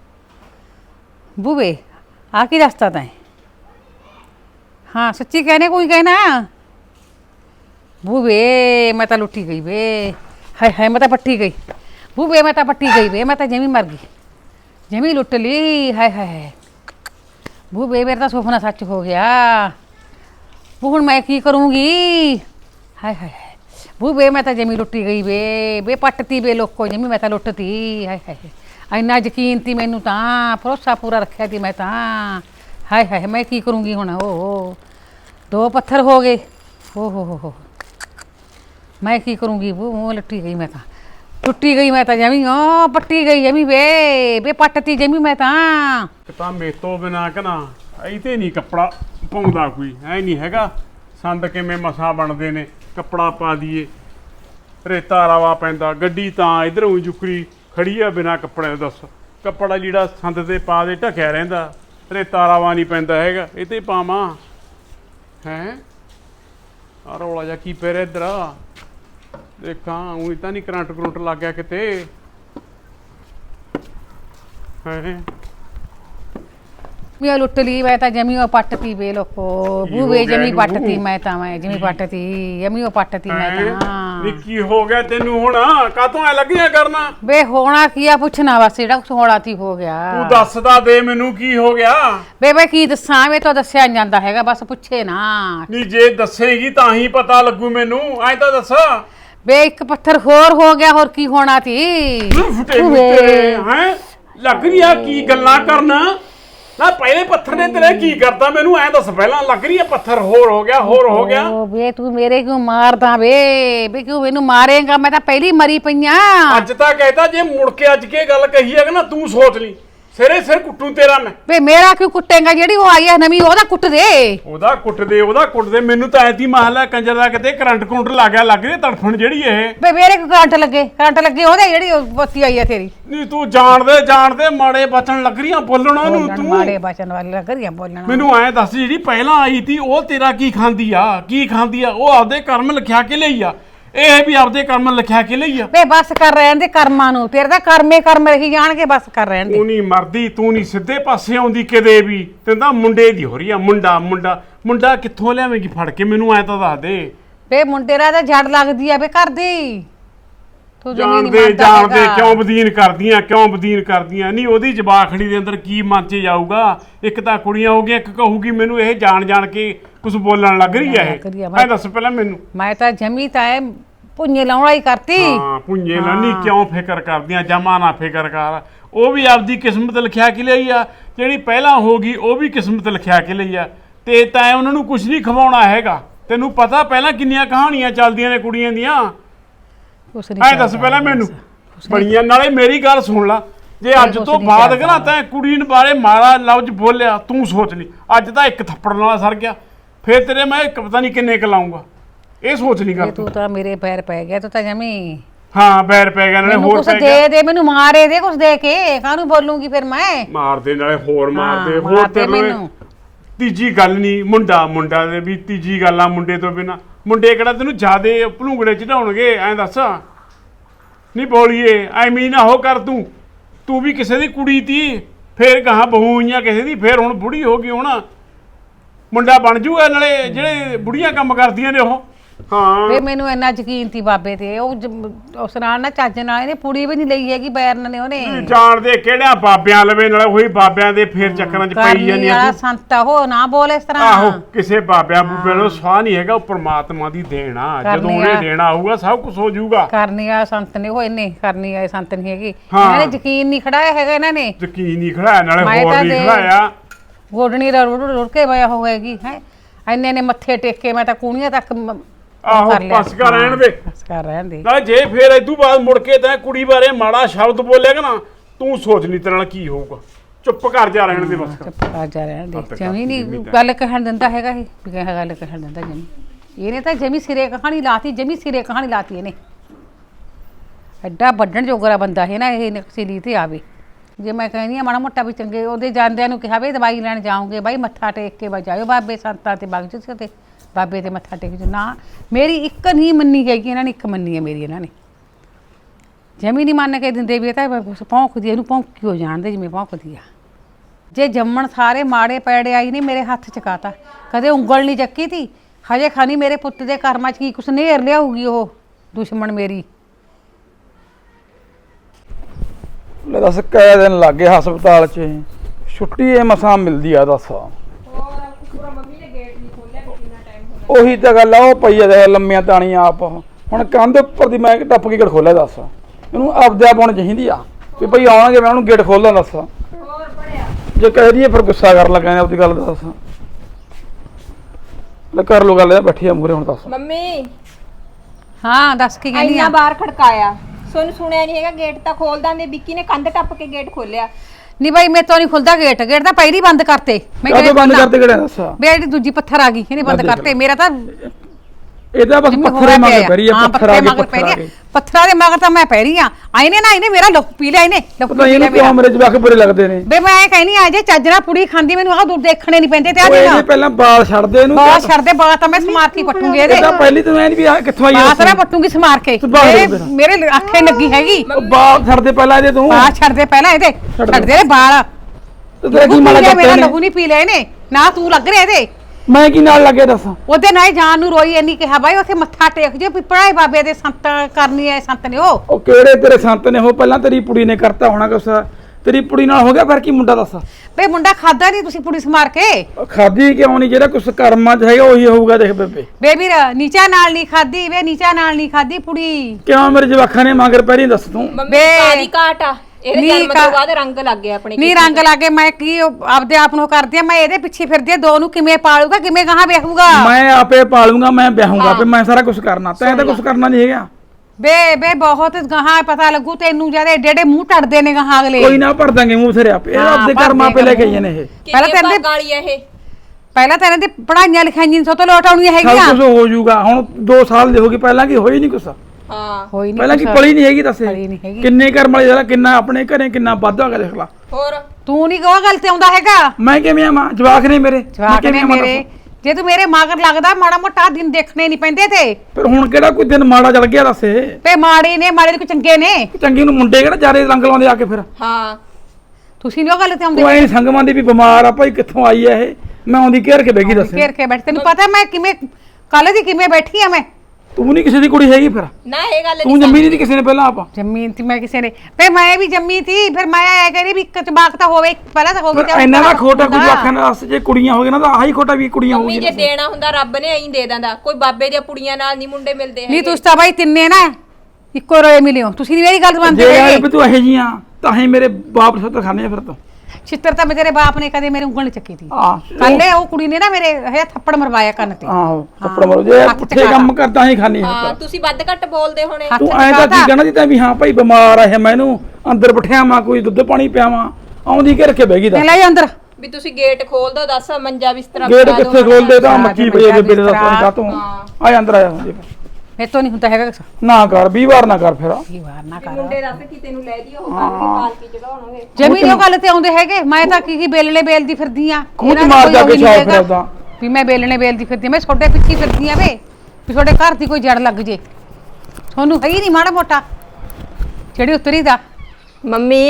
ਬੂਬੇ, ਆ ਕੀ ਰਸਤਾ ਤੈਂ? ਹਾਂ ਸੱਚੀ कहने कोई कहना बूबे, मैं तो लुटी गई वे, हाय मैं तो पट्टी गई बूबे, मैं तो पट्टी गई वे, मैं तो जमी मर गई, जमी लुट ली, हाय बूबे मेरा तो सुपना सच हो गया, वो हुण मैं की करूँगी, हाय बूबे मैं तो जमी लुटी गई वे पट्टती वे लोग को जमी, मैं तो लुटती, हाय इन्ना यकीन थी मैनू, तां भरोसा पूरा रखा थी मैं, तां हाय मैं की करूँगी हुण, ओ दो पत्थर हो गए, हो मैं की करूँगी, वो लुट्टी गई मैं तो, टुट्टी गई मैं तो जमी, ओ पट्टी गई जमी वे पट्टती जमी मैं
ਤਾਂ ਮੇਤੋਂ ਬਿਨਾ ਕਹਣਾ ਇੱਥੇ ਨਹੀਂ ਕੱਪੜਾ ਪਾਉਂਦਾ ਕੋਈ, ਐ ਨਹੀਂ ਹੈਗਾ ਸੰਦ ਕਿਵੇਂ ਮਸਾਂ ਬਣਦੇ ਨੇ, ਕੱਪੜਾ ਪਾ ਦਈਏ, ਰੇਤਾ ਰਾਵਾ ਪੈਂਦਾ, ਗੱਡੀ ਤਾਂ ਇਧਰੋਂ ਜੁਕਰੀ ਖੜੀ ਆ ਬਿਨਾ ਕੱਪੜੇ ਦੇ। ਦੱਸ ਕੱਪੜਾ ਜਿਹੜਾ ਸੰਦ ਤੇ ਪਾ ਦੇ ਢਕਿਆ ਰਹਿੰਦਾ, ਰੇਤਾ ਰਾਵਾ ਨਹੀਂ ਪੈਂਦਾ ਹੈਗਾ, ਇਹ ਤੇ ਪਾਵਾਂ ਹੈ। ਆ ਰੌਲਾ ਜਿਹਾ ਕੀ ਪੈ ਰਿਹਾ ਇੱਧਰ ਆ, ਦੇਖਾਂ ਊਂ ਤਾਂ ਨਹੀਂ ਕਰੰਟ ਲੱਗ ਗਿਆ ਕਿਤੇ ਹੈ।
मैं लुट ली, मैं तो जमी वो पट्टती वे लोग को, बूबे जमी पट्टती मैं तो, मैं जमी पट्टती जमी वो पट्टती मैं तो।
ਨੀ ਕੀ ਹੋ ਗਿਆ ਤੈਨੂੰ ਹੁਣ, ਕਾਹਤੋਂ ਐ ਲੱਗੀਆਂ ਕਰਨਾ?
ਵੇ ਹੋਣਾ ਕੀ ਆ, ਪੁੱਛਣਾ ਬਸ, ਜਿਹੜਾ ਕੁਛ ਹੋਣਾ ਤੀ ਹੋ ਗਿਆ।
ਤੂੰ ਦੱਸਦਾ ਦੇ ਮੈਨੂੰ ਕੀ ਹੋ ਗਿਆ।
ਬੇ ਕੀ ਦੱਸਾਂ, ਵੇ ਤਾਂ ਦੱਸਿਆ ਨੀ ਜਾਂਦਾ ਹੈਗਾ, ਬਸ ਪੁੱਛੇ ਨਾ।
ਨਹੀਂ ਜੇ ਦੱਸੇਗੀ ਤਾਂ ਹੀ ਪਤਾ ਲੱਗੂ ਮੈਨੂੰ, ਐਂ ਤਾਂ ਦੱਸ।
ਬੇ ਇੱਕ ਪੱਥਰ ਹੋਰ ਹੋ ਗਿਆ, ਹੋਰ ਕੀ ਹੋਣਾ ਤੀ?
ਫੁੱਟੇ ਮੁੱਤੇ ਹੈ ਲੱਗ ਰਹੀ ਆ ਕੀ ਗੱਲਾਂ ਕਰਨਾ ਨਾ, ਪਹਿਲੇ ਪੱਥਰ ਨੇ ਤੇਰੇ ਕੀ ਕਰਦਾ ਮੈਨੂੰ ਐਂ ਦੱਸ ਪਹਿਲਾਂ। ਲੱਗ ਰਹੀ ਆ ਪੱਥਰ ਹੋਰ ਹੋ ਗਿਆ
ਓ ਬੇ ਤੂੰ ਮੇਰੇ ਕਿਉਂ ਮਾਰਦਾ ਵੇ ਕਿਉਂ ਮੈਨੂੰ ਮਾਰੇਗਾ? ਮੈਂ ਤਾਂ ਪਹਿਲੀ ਮਰੀ ਪਈਆਂ।
ਅੱਜ ਤਾਂ ਕਹਿਤਾ ਜੇ ਮੁੜ ਕੇ ਅੱਜ ਕੇ ਗੱਲ ਕਹੀ ਹੈ ਨਾ, ਤੂੰ ਸੋਚ ਲਈ ਸਿਰੇ ਸਿਰ ਕੁੱਟੂ ਤੇਰਾ ਮੈਂ।
ਵੇ ਮੇਰਾ ਕਿਉਂ ਕੁੱਟੇਗਾ? ਜਿਹੜੀ ਉਹ ਆਈ ਹੈ ਨਵੀਂ, ਉਹਦਾ ਕੁੱਟ ਦੇ।
ਉਹਦਾ ਕੁੱਟ ਦੇ ਮੈਨੂੰ ਤਾਂ ਐਤੀ ਮਹਲਾ ਕੰਜਰ ਦਾ ਕਿਤੇ ਕਰੰਟ ਲੱਗ ਗਿਆ, ਲੱਗ ਰਹੀ ਤੜਫਣ ਜਿਹੜੀ ਇਹ।
ਵੇ ਮੇਰੇ ਕੋ ਕਰੰਟ ਲੱਗੇ ਉਹਦੇ, ਜਿਹੜੀ ਬੱਤੀ ਆਈ ਹੈ ਤੇਰੀ।
ਨਹੀਂ ਤੂੰ ਜਾਣਦੇ ਮਾੜੇ ਬਚਨ ਲੱਗ ਰਹੀਆਂ ਬੋਲਣਾ ਨੂੰ, ਤੂੰ
ਮਾੜੇ ਬਚਨ ਵਾਲੀ ਲੱਗ ਰਹੀ ਆ ਬੋਲਣਾ।
ਮੈਨੂੰ ਐਂ ਦੱਸ ਜਿਹੜੀ ਪਹਿਲਾਂ ਆਈ ਤੀ ਉਹ ਤੇਰਾ ਕੀ ਖਾਂਦੀ ਆ? ਉਹ ਆਪਦੇ ਕਰਮ ਲਿਖਿਆ ਕੇ ਲਈ ਆ, ਇਹ ਵੀ ਆਪਦੇ ਕਰਮ ਲਿਖਿਆ ਕੇ ਲਈ ਆ।
ਵੇ ਬਸ ਕਰ ਰਹਿਣ ਦੇ ਕਰਮਾਂ ਨੂੰ, ਤੇਰੇ ਤਾਂ ਕਰਮ ਰਹੀ ਜਾਣਗੇ, ਬਸ ਕਰ ਰਹਿਣ ਦੇ।
ਤੂੰ ਨਹੀਂ ਮਰਦੀ, ਤੂੰ ਨਹੀਂ ਸਿੱਧੇ ਪਾਸੇ ਆਉਂਦੀ ਕਿਤੇ ਵੀ, ਤੈਨੂੰ ਤਾਂ ਮੁੰਡੇ ਦੀ ਹੋ ਰਹੀ ਆ। ਮੁੰਡਾ ਕਿੱਥੋਂ ਲਿਆਵੇਂਗੀ ਫੜ ਕੇ, ਮੈਨੂੰ ਐਂ ਤਾਂ ਦੱਸ ਦੇ।
ਵੇ ਮੁੰਡੇ ਦਾ ਤਾਂ ਜੜ ਲੱਗਦੀ ਆ ਵੇ ਘਰ ਦੀ। ਤੂੰ ਜ਼ਮੀਨ ਨਹੀਂ
ਜਾਣਦੇ
ਮੰਨਦਾ
ਜਾਣਦੇ
ਹੈਗਾ।
ਕਿਉਂ ਬਦੀਨ ਕਰਦੀਆਂ ਨਹੀਂ ਉਹਦੀ ਜਵਾਖੜੀ ਦੇ ਅੰਦਰ ਕੀ ਮਨ 'ਚ ਜਾਊਗਾ। ਇੱਕ ਤਾਂ ਕੁੜੀਆਂ ਹੋ ਗਈਆਂ, ਇੱਕ ਕਹੂਗੀ ਮੈਨੂੰ ਇਹ ਜਾਣ ਕੇ ਕੁਝ ਬੋਲਣ ਲੱਗ ਰਹੀ ਹੈ
ਲੱਗ ਰਹੀ ਆ,
ਇਹ ਐ ਦੱਸ ਪਹਿਲਾਂ ਮੈਨੂੰ।
ਮੈਂ ਤਾਂ ਜਮੀ ਤਾਂ ਐ ਪੁੰਨੇ ਲਾਉਣਾ ਹੀ ਕਰਤੀ।
ਹਾਂ ਪੁੰਜੇ ਲਾਨੀ ਕਿਉਂ ਫਿਕਰ ਕਰਦੀਆਂ, ਜਮਾ ਨਾ ਫਿਕਰ ਕਰ। ਉਹ ਵੀ ਆਪਦੀ ਕਿਸਮਤ ਲਿਖਿਆ ਕੇ ਲਈ ਆ, ਜਿਹੜੀ ਪਹਿਲਾਂ ਹੋ ਗਈ ਉਹ ਵੀ ਕਿਸਮਤ ਲਿਖਿਆ ਕੇ ਲਈ ਆ, ਤੇ ਤਾਂ ਉਹਨਾਂ ਨੂੰ ਕੁਝ ਨਹੀਂ ਖਵਾਉਣਾ ਹੈਗਾ। ਤੈਨੂੰ ਪਤਾ ਪਹਿਲਾਂ ਕਿੰਨੀਆਂ ਕਹਾਣੀਆਂ ਚੱਲਦੀਆਂ ਨੇ ਕੁੜੀਆਂ ਦੀਆਂ।
ਕੁਛ ਨਹੀਂ
ਐ ਦੱਸ ਪਹਿਲਾਂ ਮੈਨੂੰ ਬੜੀਆਂ। ਨਾਲੇ ਮੇਰੀ ਗੱਲ ਸੁਣ ਲਾ, ਜੇ ਅੱਜ
ਕੁਛ
ਤੋਂ
ਨਹੀਂ
ਬਾਅਦ
ਚੱਲਦਾ।
ਨਾ ਤੈਂ ਕੁੜੀ ਨੂੰ ਬਾਰੇ ਮਾੜਾ ਲਫ਼ਜ਼ ਬੋਲਿਆ, ਤੂੰ ਸੋਚ ਲਈ ਅੱਜ ਤਾਂ ਇੱਕ ਥੱਪੜ ਨਾਲ ਸਰ ਗਿਆ, ਫਿਰ ਤੇਰੇ ਮੈਂ ਪਤਾ ਨਹੀਂ ਕਿੰਨੇ ਕੁ ਲਾਉਂਗਾ। ਇਹ ਸੋਚ ਲਈ ਗੱਲ
ਤੂੰ ਤਾਂ ਮੇਰੇ ਪੈਰ ਪੈ ਗਿਆ, ਤੂੰ ਤਾਂ ਜਮੀ
ਹਾਂ ਬੈਰ ਪੈ ਗਿਆ ਨਾਲੇ
ਮੈਨੂੰ
ਹੋਰ
ਕੁਛ
ਪੈ ਗਿਆ।
ਦੇ ਮੈਨੂੰ ਮਾਰੇ ਦੇ ਕੁਛ ਦੇ ਕੇ ਕਾਹਨੂੰ ਬੋਲੂੰਗੀ ਫਿਰ ਮੈਂ।
ਮਾਰਦੇ ਨਾਲੇ ਹੋਰ ਮਾਰਦੇ
ਹਾਂ,
ਹੋਰ
ਮਾਰਦੇ
ਤੇਰੇ
ਮੈਨੂੰ।
ਤੀਜੀ ਗੱਲ ਨਹੀਂ, ਮੁੰਡਾ ਦੇ ਵੀ ਤੀਜੀ ਗੱਲ ਆ। ਮੁੰਡੇ ਤੋਂ ਬਿਨਾ ਮੁੰਡੇ ਕਿਹੜਾ ਤੈਨੂੰ ਜਿਆਦੇ ਭਲੂੰਗੜੇ ਚੜਾਉਣਗੇ, ਐਂ ਦੱਸ। ਨਹੀਂ ਬੋਲੀਏ ਐਵੇਂ ਨਾ ਹੋ ਕਰ। ਤੂੰ ਵੀ ਕਿਸੇ ਦੀ ਕੁੜੀ ਤੀ, ਫੇਰ ਕਹਾਂ ਬਹੂ ਹੋਈਆਂ ਕਿਸੇ ਦੀ, ਫੇਰ ਹੁਣ ਬੁੜੀ ਹੋ ਗਈ, ਹੁਣ ਮੁੰਡਾ ਬਣ ਜੂਗਾ। ਨਾਲੇ ਜਿਹੜੇ ਬੁੜੀਆਂ ਕੰਮ ਕਰਦੀਆਂ ਨੇ ਉਹ। ਹਾਂ
ਵੇ ਮੈਨੂੰ ਇੰਨਾ ਯਕੀਨ ਸੀ ਬਾਬੇ ਤੇ, ਉਸ ਨਾਲ ਨਾ ਚੱਜ ਨਾਲ ਇਹਨੇ ਪੁੜੀ ਵੀ ਨਹੀਂ ਲਈ ਹੈਗੀ ਬੈਰਨ ਨੇ ਉਹਨੇ।
ਜਾਣਦੇ ਕਿਹੜਿਆਂ ਬਾਬਿਆਂ ਲਵੇ, ਨਾਲੇ ਉਹੀ ਬਾਬਿਆਂ ਦੇ ਫੇਰ ਚੱਕਰਾਂ 'ਚ ਪਈ ਜਾਂਦੀਆਂ
ਆ
ਤੂੰ।
ਸੰਤ ਉਹ ਨਾ ਬੋਲ ਇਸ ਤਰ੍ਹਾਂ।
ਆਹੋ ਕਿਸੇ ਬਾਬਿਆਂ ਬੂਬਿਆਂ ਨੂੰ ਸਵਾਹ ਨਹੀਂ ਹੈਗਾ, ਉਹ ਪ੍ਰਮਾਤਮਾ ਦੀ ਦੇਣ ਆ। ਜਦੋਂ ਉਹਨੇ ਦੇਣਾ ਆਊਗਾ ਸਭ ਕੁਝ ਹੋ ਜਾਊਗਾ।
ਕਰਨੀ ਆ ਸੰਤ ਨੇ ਉਹ, ਇਹਨੇ ਕਰਨੀ ਆ ਸੰਤ ਨਹੀਂ ਹੈਗੀ।
ਹਾਂ।
ਇਹਨਾਂ ਨੇ ਯਕੀਨ ਨਹੀਂ ਖੜਾਇਆ ਹੈਗਾ ਇਹਨਾਂ ਨੇ।
ਯਕੀਨ ਨਹੀਂ ਖੜਾਇਆ, ਨਾਲੇ
ਮੈਂ
ਹੋਰ
ਤਾਂ
ਨਹੀਂ
ਦੇ-
ਖੜਾਇਆ।
ਗੋਡਣੀ ਦਾ ਰੁੜ ਕੇ ਪਿਆ ਹੋਏਗੀ ਹੈ। ਇੰਨੇ ਨੇ ਮੱਥੇ ਟੇਕੇ, ਮੈਂ ਤਾਂ ਕੂਣੀਆਂ ਤੱਕ
ਆਹੋ ਬਸ ਕਰ ਰਹਿਣ ਦੇ।
ਬਸ ਕਰ ਰਹਿਣ ਦੇ।
ਨਾਲੇ ਜੇ ਫੇਰ ਇਦੋਂ ਬਾਅਦ ਮੁੜ ਕੇ ਤੈਂ ਕੁੜੀ ਬਾਰੇ ਮਾੜਾ ਸ਼ਬਦ ਬੋਲੇਗਾ ਨਾ, ਤੂੰ ਸੋਚ ਲਈ ਤੇਰੇ ਨਾਲ ਕੀ ਹੋਊਗਾ। ਚੁੱਪ ਕਰ ਜਾ ਰਹਿਣ ਦੇ ਬਸ।
ਚੁੱਪ ਕਰ ਜਾ ਰਹਿਣ ਦੇ।
ਹੱਦ
ਜਮੀ ਨਹੀਂ
ਕਰਤੀ ਜਮੀ
ਗੱਲ ਕਹਿਣ ਦਿੰਦਾ ਹੈਗਾ ਇਹ, ਵੀ ਕਹਿ ਗੱਲ ਕਹਿਣ ਦਿੰਦਾ ਜਮੀ। ਇਹਨੇ ਤਾਂ ਜਮੀ ਸਿਰੇ ਕਹਾਣੀ ਲਾਤੀ, ਜਮੀ ਸਿਰੇ ਕਹਾਣੀ ਲਾਤੀ ਇਹਨੇ। ਐਡਾ ਵੱਡਣ ਜੋਗਰਾ ਬੰਦਾ ਹੈ ਨਾ ਇਹ, ਨਕਸੀਲੀ ਤੇ ਆਵੇ। ਜੇ ਮੈਂ ਕਹਿੰਦੀ ਆ ਮਾੜਾ ਮੋਟਾ ਵੀ ਚੰਗੇ ਉਹਦੇ ਜਾਂਦਿਆਂ ਨੂੰ ਕਿਹਾ ਵੀ ਦਵਾਈ ਲੈਣ ਜਾਓਗੇ ਬਾਈ, ਮੱਥਾ ਟੇਕ ਕੇ ਵਜਾਇਓ ਬਾਬੇ ਸੰਤਾਂ ਤੇ ਬਗ ਜਿਸ ਤੇ ਬਾਬੇ ਤੇ ਮੱਥਾ ਟੇਕ ਜੋ ਨਾ। ਮੇਰੀ ਇੱਕ ਨਹੀਂ ਮੰਨੀ ਹੈਗੀ ਇਹਨਾਂ ਨੇ, ਇੱਕ ਮੰਨੀ ਹੈ ਮੇਰੀ ਇਹਨਾਂ ਨੇ। ਜਮੀ ਨਹੀਂ ਮੰਨ ਕੇ ਦਿੰਦੇ ਵੀ ਇਹ ਤਾਂ ਭੌਂਕਦੀ, ਇਹਨੂੰ ਭੌਂਕੀ ਹੋ ਜਾਣਦੇ ਜਿਵੇਂ ਭੌਂਕਦੀ ਆ। ਜੇ ਜੰਮਣ ਸਾਰੇ ਮਾੜੇ ਪੈੜੇ ਆਈ ਨਹੀਂ ਮੇਰੇ ਹੱਥ ਚਕਾਤਾ, ਕਦੇ ਉਂਗਲ ਨਹੀਂ ਚੱਕੀ ਤੀ। ਹਜੇ ਖਾਨੀ ਮੇਰੇ ਪੁੱਤ ਦੇ ਕਰਮਾਂ 'ਚ ਕੀ ਕੁਛ ਨੇਰ ਲਿਆਊਗੀ ਉਹ ਦੁਸ਼ਮਣ ਮੇਰੀ।
ਲੈ ਦੱਸ ਕਈ ਦਿਨ ਲੱਗ ਗਏ ਹਸਪਤਾਲ 'ਚ, ਛੁੱਟੀ ਇਹ ਮਸਾਂ ਮਿਲਦੀ ਆ। ਦੱਸ ਉਹੀ ਤਾਂ ਗੱਲ ਆ, ਉਹ ਪਈ ਆ ਦੇਖ ਲੰਮੀਆਂ ਤਾਣੀਆਂ ਆਪ। ਹੁਣ ਕੰਧ ਉੱਪਰ ਦੀ ਮੈਂ ਟੱਪ ਕੇ ਗੇਟ ਖੋਲਿਆ। ਦੱਸ ਇਹਨੂੰ ਆਪਦੇ ਆਪ ਹੋਣੀ ਚਾਹੀਦੀ ਆ ਵੀ ਭਈ ਆਉਣਗੇ ਮੈਂ ਉਹਨੂੰ ਗੇਟ ਖੋਲਦਾ। ਦੱਸ ਜੇ ਕਹਿ ਦਈਏ ਫਿਰ ਗੁੱਸਾ ਕਰਨ ਲੱਗਾ ਆਪਦੀ ਗੱਲ। ਦੱਸ ਲੈ ਕਰ ਲੋ ਗੱਲ, ਬੈਠੀ ਆ ਮੂਹਰੇ। ਹੁਣ ਦੱਸ
ਮੰਮੀ
ਹਾਂ ਦੱਸ ਕੀ ਕਹਿੰਦੀ
ਇੰਨਾ
ਆ।
ਬਾਹਰ ਖੜਕਾਇਆ, ਸੋਨੂੰ ਸੁਣਿਆ ਨਹੀਂ ਹੈਗਾ? ਗੇਟ ਤਾਂ ਖੋਲਦਾ ਨਹੀਂ, ਵਿੱਕੀ ਨੇ ਕੰਧ ਟੱਪ ਕੇ ਗੇਟ ਖੋਲਿਆ।
ਨਹੀਂ ਬਾਈ ਮੇਰੇ ਤੋਂ ਨਹੀਂ ਖੁੱਲਦਾ ਗੇਟ, ਗੇਟ ਤਾਂ ਪਹਿਲੀ ਬੰਦ ਕਰਤੇ। ਮੈਂ
ਕਦੋਂ ਬੰਦ ਕਰਦੇ ਕਿਹੜੇ? ਦੱਸ
ਬੇੜੀ ਦੂਜੀ ਪੱਥਰ ਆ ਗਈ, ਇਹਨੇ ਬੰਦ
ਦੇਖ
ਕਰਤੇ। ਮੇਰਾ ਤਾਂ
ਇਹਦਾ ਬਸ ਪੱਥਰੇ ਮਗਰ ਪੈ ਰਹੀ ਆ, ਪੱਥਰ ਆ ਕੇ ਪੱਥਰ ਆ ਕੇ।
ਪੱਥਰਾਂ ਦੇ ਮਗਰ ਤਾਂ ਮੈਂ ਪੈ ਰਹੀ ਆ। ਆਇਨੇ ਨਾ ਇਹਨੇ ਮੇਰਾ ਲਹੂ ਪੀ ਲਿਆ, ਇਹਨੇ ਲਹੂ
ਪਤਾ
ਪੀ ਲਿਆ
ਇਹਨੂੰ
ਮੇਰਾ।
ਕਿਉਂ ਮੇਰੇ ਜਵਾਕ ਬੁਰੇ ਲੱਗਦੇ ਨੇ?
ਬੇ ਮੈਂ ਕਹਿੰਦੀ ਆ ਜੇ ਚੱਜ ਨਾਲ ਪੁੜੀ ਖਾਂਦੀ ਮੈਨੂੰ ਆਹ ਦੂਰ ਦੇਖਣੇ ਨਹੀਂ ਪੈਂਦੇ ਤੇ ਆ
ਉਹ ਇਹਨੇ
ਜਿਹੜਾ
ਪਹਿਲਾਂ ਬਾਲ ਛੱਡਦੇ ਇਹਨੂੰ।
ਬਾਹਰ ਛੱਡਦੇ ਬਾਹਰ ਤਾਂ ਮੈਂ ਸਮਾਰ ਕੇ ਪੱਟੂਗੀ ਇਹਦੇ।
ਇਹਦਾ ਪਹਿਲੀ ਤੈਨੂੰ ਐ ਨੀ ਵੀ ਆਹ ਕਿੱਥੋਂ ਆਈ
ਬਾਹਰ ਤਾਂ ਪੱਟੂਗੀ ਸਮਾਰ ਕੇ।
ਤੂੰ ਬਾਹਰ
ਇਹ
ਦੇਖ।
ਮੇਰੇ ਅੱਖੇ ਲੱਗੀ ਹੈਗੀ।
ਉਹ ਬਾਲ ਛੱਡਦੇ ਪਹਿਲਾਂ ਇਹਦੇ ਤੂੰ।
ਬਾਹਰ ਛੱਡਦੇ ਪਹਿਲਾਂ ਇਹਦੇ, ਛੱਡਦੇ ਨੇ ਬਾਲ।
ਤੇ ਤੇਰਾ ਕੀ ਮਾੜਾ
ਮੇਰਾ
ਕਰਤਾ
ਲਹੂ ਨਹੀਂ ਪੀ ਲਿਆ ਇਹਨੇ ਨਾ, ਤੂੰ ਲੱਗ ਰਿਹਾ ਇਹਦੇ।
ਮੈਂ ਕੀ ਨਾਲ ਲੱਗਿਆ? ਦੱਸ
ਉਹਦੇ ਨਾਲ ਹੀ ਜਾਨ ਨੂੰ ਰੋਈ ਇੰਨੀ ਕਿਹਾ ਬਾਈ ਉੱਥੇ ਮੱਥਾ ਟੇਕ ਜੇ ਪਿਪੜਾ ਬਾਬੇ ਦੇ ਸੰਤ ਕਰਨੀ ਐ, ਸੰਤ ਨੇ ਉਹ
ਕਿਹੜੇ ਤੇਰੇ ਸੰਤ ਨੇ? ਉਹ ਪਹਿਲਾਂ ਤੇਰੀ ਪੁੜੀ ਨੇ ਕਰਤਾ ਹੋਣਾ ਕੁਛ, ਤੇਰੀ ਪੁੜੀ ਨਾਲ ਹੋ ਗਿਆ ਫਿਰ ਕੀ ਮੁੰਡਾ? ਦੱਸ
ਬੇ ਮੁੰਡਾ ਖਾਦਾ ਨਹੀਂ ਤੁਸੀਂ ਪੁਲਿਸ ਮਾਰ ਕੇ।
ਖਾਦੀ ਕਿਉਂ ਨਹੀਂ? ਜਿਹੜਾ ਕੁਛ ਕਰਮਾਂ 'ਚ ਹੈਗਾ ਉਹੀ ਹੋਊਗਾ। ਦੇਖ ਬੇਬੇ
ਬੇਬੀਰ ਨੀਚਾ ਨਾਲ ਨਹੀਂ ਖਾਦੀ, ਵੇ ਨੀਚਾ ਨਾਲ ਨਹੀਂ ਖਾਦੀ ਪੁੜੀ।
ਕਿਉਂ ਮੇਰੇ ਜਵਾਖਾਂ ਨੇ ਮਗਰ ਪੈ ਰਹੀ? ਦੱਸ ਤੂੰ।
ਮੰਮੀ
ਬੇ
ਕਾਲੀ ਕਾਟ ਆ, ਇਹਦੇ
ਨੀ
ਜਨਮ ਤੋਂ ਬਾਅਦ ਰੰਗ ਲੱਗ ਗਿਆ ਆਪਣੇ।
ਨੀ ਰੰਗ ਲਾਗੇ ਮੈਂ ਕੀ ਆਪਦੇ ਆਪ ਨੂੰ ਕਰਦੀ ਆ, ਮੈਂ ਇਹਦੇ ਪਿੱਛੇ ਫਿਰਦੀ ਆ। ਦੋ ਨੂੰ ਕਿਵੇਂ ਪਾਲੂਗਾ, ਕਿਵੇਂ ਗਾਹਾਂ ਵੇਖੂਗਾ?
ਮੈਂ ਆਪੇ ਪਾਲੂੰਗਾ, ਮੈਂ ਵਿਆਹੂੰਗਾ ਆਪੇ, ਮੈਂ ਸਾਰਾ ਕੁਝ ਕਰਨਾ। ਤੈਂ ਤਾਂ ਕੁਝ ਕਰਨਾ ਨਹੀਂ ਹੈਗਾ।
ਬੇ ਬਹੁਤ ਗਾਹਾਂ ਪਤਾ ਲੱਗੂ ਤੈਨੂੰ, ਜਦ ਏਡੇ ਏਡੇ ਮੂੰਹ ਟੜਦੇ ਨੇ ਗਾਹਾਂ ਅਗਲੇ।
ਕੋਈ ਨਾ ਭਰ ਦਾਂਗੇ ਮੂੰਹ ਸਿਰੇ ਆਪੇ। ਇਹ
ਹਾਂ,
ਆਪਦੇ
ਭਰ
ਕਰਮ ਆਪੇ ਲੈ ਕੇ ਆਈਆਂ ਨੇ ਇਹ।
ਪਹਿਲਾਂ ਤੇਰੇ
ਗਾਲੀ ਇਹ
ਪਹਿਲਾਂ ਤਾਂ ਇਹਨਾਂ ਦੀ ਪੜਾਈਆਂ ਲਿਖਾਈਆਂ ਸੋ ਤੋਂ ਲੋਟ ਆਉਣੀਆਂ
ਸਭ
ਹੈਗੀਆਂ।
ਕੁਝ ਹੋ ਜਾਊਗਾ। ਹੁਣ 2 ਸਾਲ ਦੇ ਹੋ ਗਏ, ਪਹਿਲਾਂ ਕੀ ਹੋਈ ਨਹੀਂ ਕੁਛ?
ਹਾਂ
ਹੋਈ ਨਹੀਂ
ਪਹਿਲਾਂ ਕੀ ਪਲੀ ਨਹੀਂ ਹੈਗੀ? ਦੱਸੇ
ਪਲੀ ਨਹੀਂ ਹੈਗੀ।
ਕਿੰਨੇ ਕਰਮ ਵਾਲੇ ਜਰਾ, ਕਿੰਨਾ ਆਪਣੇ ਘਰੇ ਕਿੰਨਾ ਵਾਧਾ ਹੋ ਗਿਆ। ਦੇਖ ਲਾ
ਹੋਰ
ਤੂੰ ਨਹੀਂ ਉਹ ਗੱਲ ਤੇ ਆਉਂਦਾ ਹੈਗਾ।
ਮੈਂ ਕਿਵੇਂ ਆਵਾਂ? ਜਵਾਕ ਨੇ ਮੇਰੇ, ਮੈਂ
ਜਵਾਕ ਨੇ
ਕਿਵੇਂ ਆਵਾਂ?
ਮੇਰੇ, ਜੇ ਤੂੰ ਮੇਰੇ ਮਗਰ ਲੱਗਦਾ ਮਾੜਾ ਮੋਟਾ ਦਿਨ ਦੇਖਣੇ ਨਹੀਂ ਪੈਂਦੇ ਤੇ।
ਫਿਰ ਹੁਣ ਕਿਹੜਾ ਕੋਈ ਦਿਨ ਮਾੜਾ ਚੱਲ ਗਿਆ? ਦੱਸੇ
ਵੇ ਮਾੜੇ ਨੇ, ਮਾੜੇ ਕੋਈ ਚੰਗੇ ਨੇ।
ਚੰਗੀ ਨੂੰ ਮੁੰਡੇ ਕਿਹੜਾ ਜਾਰੇ ਰੰਗ ਲਾਉਂਦੇ ਆ ਕੇ? ਫਿਰ
ਹਾਂ
ਤੁਸੀਂ ਨੀ ਉਹ ਗੱਲ ਤੇ ਆਉਂਦੇ।
ਤੂੰ ਐ ਸੰਗਮਾਂ ਦੀ ਵੀ ਬਿਮਾਰ ਆ ਭਾਈ, ਕਿੱਥੋਂ ਆਈ ਆ ਇਹ? ਮੈਂ ਆਉਂਦੀ ਘੇਰ ਕੇ ਬੈਗੀ। ਦੱਸੇ
ਘੇਰ ਕੇ ਬੈਠ, ਤੈਨੂੰ ਪਤਾ ਮੈਂ ਕਿਵੇਂ ਕੱਲ ਦੀ ਕਿਵੇਂ ਬੈਠੀ ਆ ਮੈਂ।
ਤੂੰ ਨਹੀਂ ਕਿਸੇ ਦੀ ਕੁੜੀ ਹੈਗੀ ਫਿਰ?
ਨਾ ਇਹ ਗੱਲ
ਤੂੰ ਜੰਮੀ ਨਹੀਂ ਕਿਸੇ ਨੇ ਪਹਿਲਾਂ ਆਪ?
ਜ਼ਮੀਨ ਸੀ ਮੈਂ ਕਿਸੇ ਨੇ ਵੇ ਮੈਂ ਵੀ ਜੰਮੀ ਥੀ ਫਿਰ ਮੈਂ ਆਇਆ ਕਹਿੰਦੀ ਵੀ ਇੱਕ ਜਵਾਕ ਤਾਂ ਹੋਵੇ ਪਹਿਲਾਂ ਤਾਂ ਹੋ ਗਈ
ਫਿਰ ਇੰਨਾ ਦਾ ਖੋਟਾ ਕੁਝ ਆਖਣ ਦਾ ਜੇ ਕੁੜੀਆਂ ਹੋ ਗਈਆਂ ਨਾ ਤਾਂ ਆਹੀ ਖੋਟਾ ਵੀ ਕੁੜੀਆਂ ਹੋ
ਮੰਮੀ ਜੇ
ਗਈਆਂ।
ਦੇਣਾ ਹੁੰਦਾ ਰੱਬ ਨੇ ਐਂ ਦੇ ਦਿੰਦਾ, ਕੋਈ ਬਾਬੇ ਦੀਆਂ ਪੁੜੀਆਂ ਨਾਲ ਨਹੀਂ ਮੁੰਡੇ ਮਿਲਦੇ
ਨਹੀਂ
ਹੈਗੇ।
ਤੁਸੀਂ ਤਾਂ ਬਾਈ ਤਿੰਨੇ ਨਾ ਇੱਕੋ ਰੋਏ ਮਿਲਿਓ ਤੁਸੀਂ ਨਹੀਂ ਮੇਰੀ ਗੱਲ ਮੰਨਦੇ
ਜੇ
ਹੈਗੇ।
ਯਾਰ ਵੀ ਤੂੰ ਇਹੋ ਜੀਆਂ ਤਾਂ ਹੀ ਮੇਰੇ ਬਾਪ ਸੱਤ ਖਾਣੇ ਆ ਫਿਰ ਤੋਂ।
ਛਿੱਤਰ ਤਾਂ ਮੇਰੇ ਬਾਪ ਨੇ ਕਦੇ ਮੇਰੇ ਉਂਗਲ ਨਹੀਂ ਚੱਕੀ ਤੀ
ਆ
ਕੱਲੇ ਉਹ ਕੁੜੀ ਨੇ ਨਾ ਮੇਰੇ ਇਹ ਥੱਪੜ ਮਰਵਾਇਆ ਕੰਨ ਤੇ
ਆਹੋ ਥੱਪੜ ਮਾਰੋ ਜੇ
ਹੱਥ
ਪੁੱਠੇ
ਚਕਾਤਾ।
ਕੰਮ ਕਰਦਾ ਹੀ ਖਾਣੀ
ਹਾਂ
ਹੈ।
ਤੁਸੀਂ ਵੱਧ ਘੱਟ ਬੋਲਦੇ ਹੋਣੇ।
ਹੱਥ
ਤੂੰ ਐਂ ਤਾਂ
ਚਕਾਤਾ।
ਕੀ ਕਹਿਣਾ ਜੀ ਤਾਂ ਵੀ ਹਾਂ ਭਾਈ ਬਿਮਾਰ ਆ ਇਹ ਮੈਨੂੰ ਅੰਦਰ ਬਿਠਿਆ ਮਾਂ ਕੋਈ ਦੁੱਧ ਪਾਣੀ ਪਿਆਵਾਂ ਆਉਂਦੀ ਘਿਰ ਕੇ ਬਹਿ ਗਈ
ਤੇ
ਦਾ
ਲੈ ਜਾ ਅੰਦਰ
ਵੀ ਤੁਸੀਂ ਗੇਟ ਖੋਲ ਦੋ, ਦੱਸ ਮੰਜਾ ਬਿਸਤਰਾ
ਗੇਟ
ਵਿਛਾ ਦਿਓ
ਕਿੱਥੇ
ਹਨਾ।
ਖੋਲਦੇ ਤਾਂ
ਹਾਂ,
ਮੱਕੀ
ਤੇ
ਪਈ ਹੈ ਬੇਰੇ ਦਾ
ਬਿਸਤਰਾ।
ਪਾਣੀ ਕਾਤੋਂ ਆ ਅੰਦਰ ਆਇਆ ਹੁੰਦੇ
ਇਹ ਤੋਂ ਨਹੀਂ ਹੁੰਦਾ ਹੈਗਾ
ਨਾ ਕਰ 20 ਵਾਰ ਨਾ ਕਰ ਫਿਰ
ਕੀ ਵਾਰ ਨਾ
ਵੀ
ਕਰ
ਮੁੰਡੇ ਦੱਸ ਕਿਤੇ ਨੂੰ ਲੈ ਜੀ ਉਹ ਪਾਲਕੀ ਚੜਾਉਣਗੇ।
ਜਮੀ ਉਹ ਗੱਲ ਤੇ ਆਉਂਦੇ ਹੈਗੇ ਮੈਂ ਤਾਂ ਕੀ ਬੇਲਣੇ ਬੇਲਦੀ ਫਿਰਦੀ ਆ
ਖੂਹ ਚ ਮਾਰ ਜਾ ਕੇ ਛਾਪ ਫਿਰ ਉਹਦਾ।
ਵੀ ਮੈਂ ਬੇਲਣੇ ਬੇਲਦੀ ਫਿਰਦੀ ਆਂ, ਮੈਂ ਛੋਟੇ ਪਿੱਛੇ ਫਿਰਦੀ ਆ ਵੇ ਵੀ ਤੁਹਾਡੇ ਘਰ ਦੀ ਕੋਈ ਜੜ ਲੱਗ ਜੇ ਤੁਹਾਨੂੰ ਹੈ ਹੀ ਨਹੀਂ ਮਾੜਾ ਮੋਟਾ ਜਿਹੜੀ ਉਤਰੀ ਦਾ
ਮੰਮੀ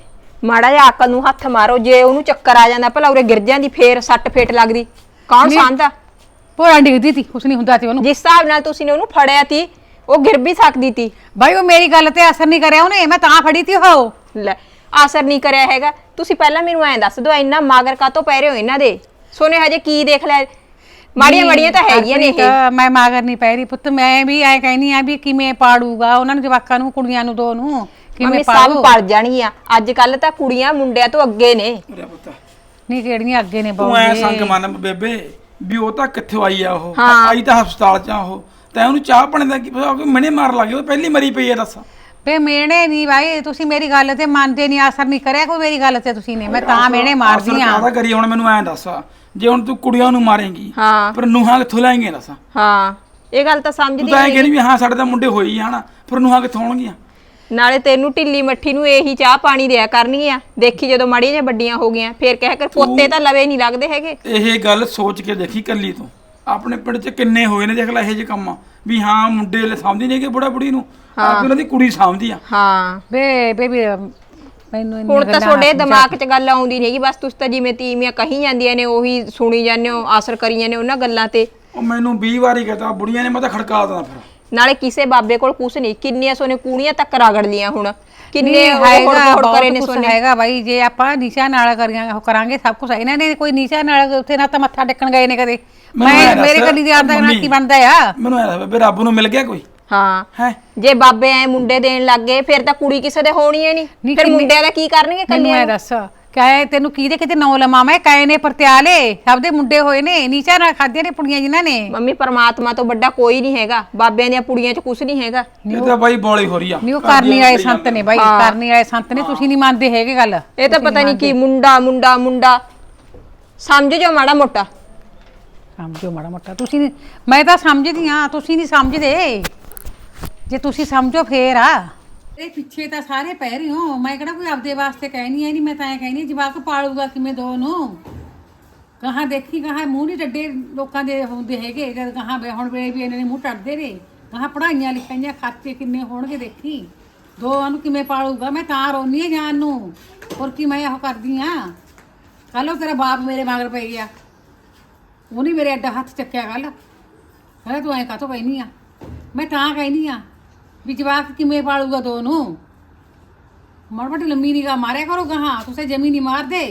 ਮਾੜਾ ਜਿਹਾ ਅਕਲ ਨੂੰ ਹੱਥ ਮਾਰੋ, ਜੇ ਉਹਨੂੰ ਚੱਕਰ ਆ ਜਾਂਦਾ ਭਲਾ ਉਰੇ ਗਿਰ ਜਾਂਦੀ ਫੇਰ ਸੱਟ ਫੇਟ ਲੱਗਦੀ ਕੌਣ
ਨਹੀਂ।
ਸਾਂਭਦਾ?
ਭੋਰਾ ਡਿੱਗਦੀ ਤੀ ਕੁਛ ਨਹੀਂ ਹੁੰਦਾ ਤੇ ਉਹਨੂੰ
ਜਿਸ ਹਿਸਾਬ ਨਾਲ ਤੁਸੀਂ ਨੇ ਉਹਨੂੰ ਫੜਿਆ ਤੀ ਉਹ ਗਿਰ ਵੀ ਸਕਦੀ ਤੀ।
ਬਾਈ ਉਹ ਮੇਰੀ ਗੱਲ ਤੇ ਅਸਰ ਨਹੀਂ ਕਰਿਆ ਉਹਨੇ ਮੈਂ ਤਾਂ ਫੜੀ ਤੀ ਉਹ
ਲੈ ਅਸਰ ਨਹੀਂ ਕਰਿਆ ਹੈਗਾ। ਤੁਸੀਂ ਪਹਿਲਾਂ ਮੈਨੂੰ ਐਂ ਦੱਸ ਦਿਓ ਇੰਨਾ ਮਾਗਰ ਕਾਤੋਂ ਪੈ ਰਹੇ ਹੋ ਇਹਨਾਂ ਦੇ? ਸੋਨੇ ਹਜੇ ਕੀ ਦੇਖ ਲੈ, ਮਾੜੀਆਂ ਮਾੜੀਆਂ ਤਾਂ ਹੈਗੀਆਂ ਨੇ ਇਹ।
ਮੈਂ ਮਾਗਰ ਨਹੀਂ ਪੈ ਰਹੀ ਪੁੱਤ ਮੈਂ ਵੀ ਐ ਕਹਿਨੀ ਆ ਵੀ ਕਿਵੇਂ ਪਾੜੂਗਾ ਉਹਨਾਂ ਨੂੰ ਜਵਾਕਾਂ ਨੂੰ ਕੁੜੀਆਂ ਨੂੰ ਦੋ ਨੂੰ
ਮੰਮੀ
ਕਿਵੇਂ
ਸਭ
ਪਾੜੂ
ਪੜ ਜਾਣਗੀਆਂ। ਅੱਜ ਕੱਲ ਤਾਂ ਕੁੜੀਆਂ ਮੁੰਡਿਆਂ ਤੋਂ ਅੱਗੇ ਨੇ।
ਨਹੀਂ ਕਿਹੜੀਆਂ ਅੱਗੇ ਨੇ
ਤੂੰ ਐ
ਬਾਉਗੇ
ਸੰਗ ਮੰਨ ਬੇਬੇ ਵੀ ਉਹ ਤਾਂ ਕਿੱਥੋਂ ਆਈ ਆ ਉਹ
ਹਾਂ।
ਆਈ ਤਾਂ ਹਸਪਤਾਲ ਚ ਆ ਉਹ ਤੈਂ ਉਹਨੂੰ ਚਾਹ ਪਾਣੀ ਦਾ ਕੀ ਪਤਾ ਮਣੇ ਮਾਰ ਲੱਗੇ ਉਹ ਪਹਿਲੀ ਮਰੀ ਪਈ ਆ ਦੱਸ।
ਵੇ ਮੇਣੇ ਨਹੀਂ ਭਾਈ ਤੁਸੀਂ ਮੇਰੀ ਗੱਲ ਤੇ ਮੰਨਦੇ ਨਹੀਂ ਅਸਰ ਨਹੀਂ ਕਰਿਆ ਕੋਈ ਮੇਰੀ ਗੱਲ ਤੇ ਤੁਸੀਂ ਨੇ ਮੈਂ ਤਾਂ ਮੇਣੇ ਮਾਰਦੀ ਆ
ਕਾਹਦਾ ਕਰੀ ਹੁਣ ਮੈਨੂੰ ਐਂ ਦੱਸ ਜੇ ਹੁਣ ਤੂੰ ਕੁੜੀਆਂ ਨੂੰ ਮਾਰੇਂਗੀ
ਹਾਂ
ਪਰ ਨੂੰਹਾਂ ਕਿੱਥੋਂ ਲੈਣਗੇ ਦੱਸ?
ਹਾਂ ਇਹ ਗੱਲ ਤਾਂ ਸਮਝਦੀ
ਤੂੰ ਤਾਂ ਐਂ
ਨਹੀਂ।
ਕਹਿੰਦੀ ਵੀ ਹਾਂ ਸਾਡੇ ਤਾਂ ਮੁੰਡੇ ਹੋਈ ਆ ਹਨਾ ਪਰ ਨੂੰਹਾਂ ਕਿੱਥੋਂ ਆਉਣਗੀਆਂ?
ਨਾਲੇ ਤੈਨੂੰ ਢਿੱਲੀ ਮੱਠੀ ਨੂੰ ਇਹੀ ਚਾਹ ਪਾਣੀ ਦਿਆ ਕਰਨਗੀਆਂ। ਦੇਖੀ ਜਦੋਂ ਮਾੜੀਆਂ ਜਿਹੀਆਂ ਵੱਡੀਆਂ ਹੋ ਗਈਆਂ ਫੇਰ ਕਹਿ ਕਰ ਪੋਤੇ ਤਾਂ ਲਵੇ ਨਹੀਂ ਲੱਗਦੇ ਹੈਗੇ।
ਇਹ ਗੱਲ ਸੋਚ ਕੇ ਦੇਖੀ ਕੱਲੀ ਤੂੰ ਆਪਣੇ ਪਿੰਡ 'ਚ ਕਿੰਨੇ ਹੋਏ ਨੇ ਦੇਖ ਲੈ ਇਹੋ ਜਿਹੇ ਕੰਮ ਵੀ ਹਾਂ ਮੁੰਡੇ ਲੈ ਸਾਂਭਦੀ ਨਹੀਂ ਕਿ ਬੁੜਾ ਬੁੜੀ ਨੂੰ ਆਪ ਉਹਨਾਂ ਦੀ ਕੁੜੀ ਸਾਂਭਦੀ ਆ।
ਹਾਂ
ਵੇ ਬੇਬੀ ਮੈਨੂੰ ਇੰਨੀਆਂ
ਹੁਣ ਤਾਂ
ਗੱਲਾਂ
ਤੁਹਾਡੇ ਦਿਮਾਗ 'ਚ ਗੱਲ ਆਉਂਦੀ ਨਹੀਂ ਹੈਗੀ, ਬਸ ਤੁਸੀਂ ਤਾਂ ਜਿਵੇਂ ਤੀਵੀਆਂ ਕਹੀ ਜਾਂਦੀਆਂ ਨੇ ਉਹੀ ਸੁਣੀ ਜਾਂਦੇ ਹੋ, ਆਸਰ ਕਰੀ ਜਾਂਦੇ ਹੋ ਉਹਨਾਂ ਗੱਲਾਂ ਤੇ।
ਉਹ ਮੈਨੂੰ 20 ਵਾਰੀ ਕਹਤਾ ਬੁੜੀਆਂ ਨੇ ਮੈਂ ਤਾਂ ਖੜਕਾ ਦੇਣਾ ਫਿਰ।
ਨਾਲੇ ਕਿਸੇ ਬਾਬੇ ਕੋਲ ਕੁਛ ਨਹੀਂ, ਕਿੰਨੀਆਂ ਸੋਨੇ ਕੂਣੀਆਂ ਤੱਕ ਰਗੜ ਲੀਆਂ ਹੁਣ, ਕਿੰਨੇ
ਨਹੀਂ
ਹੋੜ
ਹੈਗਾ
ਹੋੜ ਕਰੇ ਨੇ
ਬਹੁਤ ਕੁਛ
ਸੋਨੇ।
ਹੈਗਾ ਬਾਈ ਜੇ ਆਪਾਂ ਨੀਚਾ ਨਾਲ ਕਰੀਆਂ ਉਹ ਕਰਾਂਗੇ ਸਭ ਕੁਝ ਇਹਨਾਂ ਨੇ ਕੋਈ ਨੀਚਾ ਨਾਲ ਉੱਥੇ ਨਾ ਤਾਂ ਮੱਥਾ ਟੇਕਣ ਗਏ ਨੇ ਕਦੇ
ਮੈਨੂੰ
ਮੈਂ
ਐਂ ਦੱਸ,
ਮੇਰੇ ਕੱਲੀ ਦੀ ਆਪ ਦਾ ਨਾਲ
ਮੰਮੀ,
ਕੀ ਬਣਦਾ ਆ
ਮੈਨੂੰ ਐਂ ਦੱਸ ਬੇਬੇ ਰੱਬ ਨੂੰ ਮਿਲ ਗਿਆ ਕੋਈ
ਹਾਂ
ਹੈ?
ਜੇ ਬਾਬੇ ਐ ਮੁੰਡੇ ਦੇਣ ਲੱਗ ਗਏ ਫਿਰ ਤਾਂ ਕੁੜੀ ਕਿਸੇ ਦੇ ਹੋਣੀ ਹੈ ਨਹੀਂ, ਫਿਰ ਮੁੰਡਿਆਂ ਦਾ ਕੀ ਕਰਨਗੇ
ਮੈਨੂੰ
ਕੱਲਿਆਂ
ਇਹ ਦੱਸ ਕਾਏ ਤੈਨੂੰ ਕਿਹਦੇ ਕਿਤੇ ਨੌ ਲਮਾ ਮੈਂ ਕਾਏ ਨੇ ਪਰਤਿਆਲੇ ਸਭ ਦੇ ਮੁੰਡੇ ਹੋਏ ਨੇ ਨੀਚਾ ਨਾਲ ਖਾਧੀਆਂ ਨੇ ਪੁੜੀਆਂ ਜਿਨ੍ਹਾਂ ਨੇ
ਮੰਮੀ ਪਰਮਾਤਮਾ ਤੋਂ ਵੱਡਾ ਕੋਈ ਨਹੀਂ ਹੈਗਾ, ਬਾਬਿਆਂ ਦੀਆਂ ਪੁੜੀਆਂ 'ਚ ਕੁਛ ਨਹੀਂ ਹੈਗਾ।
ਇਹ ਤਾਂ ਬਾਈ ਬੋਲੀ ਹੋ ਰਹੀ ਆ।
ਨਹੀਂ ਉਹ ਕਰਨੀ ਵਾਲੇ ਸੰਤ ਨੇ ਬਾਈ ਕਰਨੀ ਵਾਲੇ ਸੰਤ ਨੇ ਤੁਸੀਂ ਨਹੀਂ ਮੰਨਦੇ ਹੈਗੇ ਗੱਲ
ਇਹ ਤਾਂ ਪਤਾ ਨਹੀਂ ਕੀ ਮੁੰਡਾ ਮੁੰਡਾ ਮੁੰਡਾ ਸਮਝ ਜੋ ਮਾੜਾ ਮੋਟਾ।
ਸਮਝੋ ਮਾੜਾ ਮੋਟਾ ਤੁਸੀਂ ਮੈਂ ਤਾਂ ਸਮਝਦੀ ਆ ਤੁਸੀਂ ਨਹੀਂ ਸਮਝਦੇ ਜੇ ਤੁਸੀਂ ਸਮਝੋ ਫੇਰ ਆ ਇਹ ਪਿੱਛੇ ਤਾਂ ਸਾਰੇ ਪੈ ਰਹੇ ਹੋ ਮੈਂ ਕਿਹੜਾ ਕੋਈ ਆਪਦੇ ਵਾਸਤੇ ਕਹਿਣੀ ਐ ਨਹੀਂ ਮੈਂ ਤਾਂ ਐ ਕਹਿਣੀ ਜਵਾਕ ਪਾਲੂਗਾ ਕਿਵੇਂ ਦੋ ਨੂੰ ਕਹਾਂ ਦੇਖੀ ਕਹਾਂ ਮੂੰਹ ਨਹੀਂ ਡੱਡੇ ਲੋਕਾਂ ਦੇ ਹੁੰਦੇ ਹੈਗੇ ਜਦ ਕਹਾਂ ਹੁਣ ਵੇ ਵੀ ਇਹਨਾਂ ਨੇ ਮੂੰਹ ਟੱਟਦੇ ਨੇ ਕਹਾਂ ਪੜਾਈਆਂ ਲਿਖਾਈਆਂ ਖਰਚੇ ਕਿੰਨੇ ਹੋਣਗੇ ਦੇਖੀ ਦੋਵਾਂ ਨੂੰ ਕਿਵੇਂ ਪਾਲੂਗਾ ਮੈਂ ਤਾਂ ਰੋਨੀ ਆ ਜਾਨ ਨੂੰ ਹੋਰ ਕੀ ਮੈਂ ਇਹੋ ਕਰਦੀ ਆ ਕੱਲ ਤੇਰਾ ਬਾਪ ਮੇਰੇ ਮਗਰ ਪੈ ਗਿਆ ਉਹਨੇ ਮੇਰੇ ਅੱਡਾ ਹੱਥ ਚੱਕਿਆ ਕੱਲ ਕਹਿੰਦਾ ਤੂੰ ਐਂ ਕਾਹਤੋਂ ਕਹਿਨੀ ਆ ਮੈਂ ਤਾਂ ਕਹਿਨੀ ਆ ਵੀ ਜਵਾਕ ਕਿਵੇਂ ਪਾਲੂਗਾ ਦੋ ਨੂੰ ਮੜਮਟ ਲੰਮੀ ਨਿਗਾਹ ਮਾਰਿਆ ਕਰੋ ਗਾਹਾਂ ਤੁਸੀਂ ਜਮੀ ਨਹੀਂ ਮਾਰਦੇ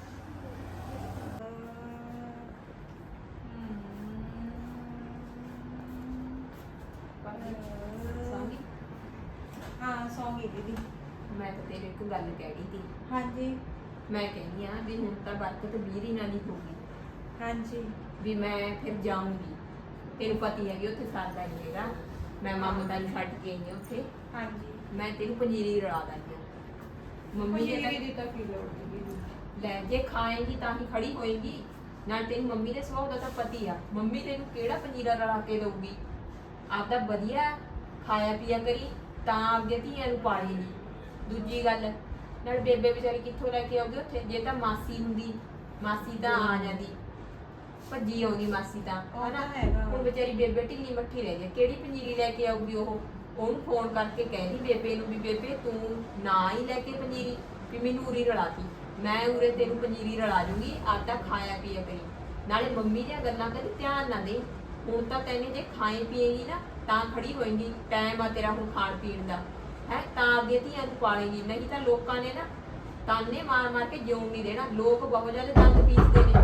ਹਾਂ ਸੌਂਗੀ ਦੀਦੀ।
ਮੈਂ ਤਾਂ ਤੇਰੇ ਇੱਕ ਗੱਲ ਕਹਿਣੀ ਸੀ।
ਹਾਂਜੀ
ਮੈਂ ਕਹਿੰਦੀ ਆ ਵੀ ਹੁਣ ਤਾਂ ਬਰਕਤ ਵੀਰੀ ਨਾਲ ਹੀ ਹੋਊਗੀ
ਹਾਂਜੀ
ਵੀ ਮੈਂ ਫਿਰ ਜਾਊਂਗੀ। ਤੈਨੂੰ ਪਤੀ ਹੈਗੀ ਉੱਥੇ ਸਰਦਾ ਨਹੀਂ ਹੈਗਾ, ਮੈਂ ਮਮਤਾ ਨੂੰ ਛੱਡ ਕੇ ਆਈ ਹਾਂ ਉੱਥੇ।
ਹਾਂਜੀ
ਮੈਂ ਤੈਨੂੰ ਪੰਜੀਰੀ ਰਲਾ ਦਾਂਗੀ। ਮੰਮੀ ਨੇ
ਪੰਜੀਰੀ ਦੀ ਤਾਂ ਕੀ ਲੋੜ ਦੀਦੀ।
ਲੈ ਜੇ ਖਾਏਗੀ ਤਾਂ ਹੀ ਖੜੀ ਹੋਏਗੀ। ਨਾਲ ਤੇਰੀ ਮੰਮੀ ਦੇ ਸੁਭਾਅ ਦਾ ਤਾਂ ਪਤੀ ਆ, ਮੰਮੀ ਤੈਨੂੰ ਕਿਹੜਾ ਪੰਜੀਰਾ ਰਲਾ ਕੇ ਦਊਗੀ। ਆਪਦਾ ਵਧੀਆ ਖਾਇਆ ਪੀਆ ਕਰੀ ਤਾਂ ਆਪਦੀਆਂ ਧੀਆਂ ਨੂੰ ਪਾਲੇਗੀ। ਦੂਜੀ ਗੱਲ ਨਾਲ ਬੇਬੇ ਵਿਚਾਰੀ ਕਿੱਥੋਂ ਲੈ ਕੇ ਆਉਗੀ ਉੱਥੇ? ਜੇ ਤਾਂ ਮਾਸੀ ਹੁੰਦੀ ਮਾਸੀ ਤਾਂ ਆ ਜਾਂਦੀ, ਭੱਜੀ ਆਉਂਦੀ ਮਾਸੀ ਤਾਂ
ਉਹ ਤਾਂ
ਹਨਾ।
ਹੈਗਾ।
ਹੁਣ ਵਿਚਾਰੀ ਬੇਬੇ ਢਿੱਲੀ ਮੱਠੀ ਰਹਿ ਜਾਏ, ਕਿਹੜੀ ਪੰਜੀਰੀ ਲੈ ਕੇ ਆਊਗੀ ਉਹ? ਉਹਨੂੰ ਫੋਨ ਕਰਕੇ ਕਹਿੰਦੀ ਬੇਬੇ ਨੂੰ ਵੀ ਬੇਬੇ ਤੂੰ ਨਾ ਹੀ ਲੈ ਕੇ ਪੰਜੀਰੀ ਵੀ ਮੈਨੂੰ ਉਰੀ ਰਲਾਤੀ, ਮੈਂ ਉਰੇ ਤੈਨੂੰ ਪੰਜੀਰੀ ਰਲਾ ਜੂਗੀ, ਆਟਾ ਖਾਇਆ ਪੀਆ ਕਰੀ। ਨਾਲੇ ਮੰਮੀ ਦੀਆਂ ਗੱਲਾਂ ਕਦੀ ਧਿਆਨ ਨਾ ਦੇ। ਹੁਣ ਤਾਂ ਤੈਨੇ ਜੇ ਖਾਏ ਪੀਏਗੀ ਨਾ ਤਾਂ ਖੜੀ ਹੋਏਗੀ। ਟਾਈਮ ਆ ਤੇਰਾ ਹੁਣ ਖਾਣ ਪੀਣ ਦਾ ਹੈ, ਤਾਂ ਆਪਦੀਆਂ ਧੀਆਂ ਨੂੰ ਪਾਲੇਗੀ। ਨਹੀਂ ਤਾਂ ਲੋਕਾਂ ਨੇ ਨਾ ਤਾਨੇ ਮਾਰ ਮਾਰ ਕੇ ਜਿਉਣ ਨਹੀਂ ਦੇਣਾ। ਲੋਕ ਬਹੁਤ ਜ਼ਿਆਦਾ ਦੰਦ ਪੀਸਦੇ ਨੇ।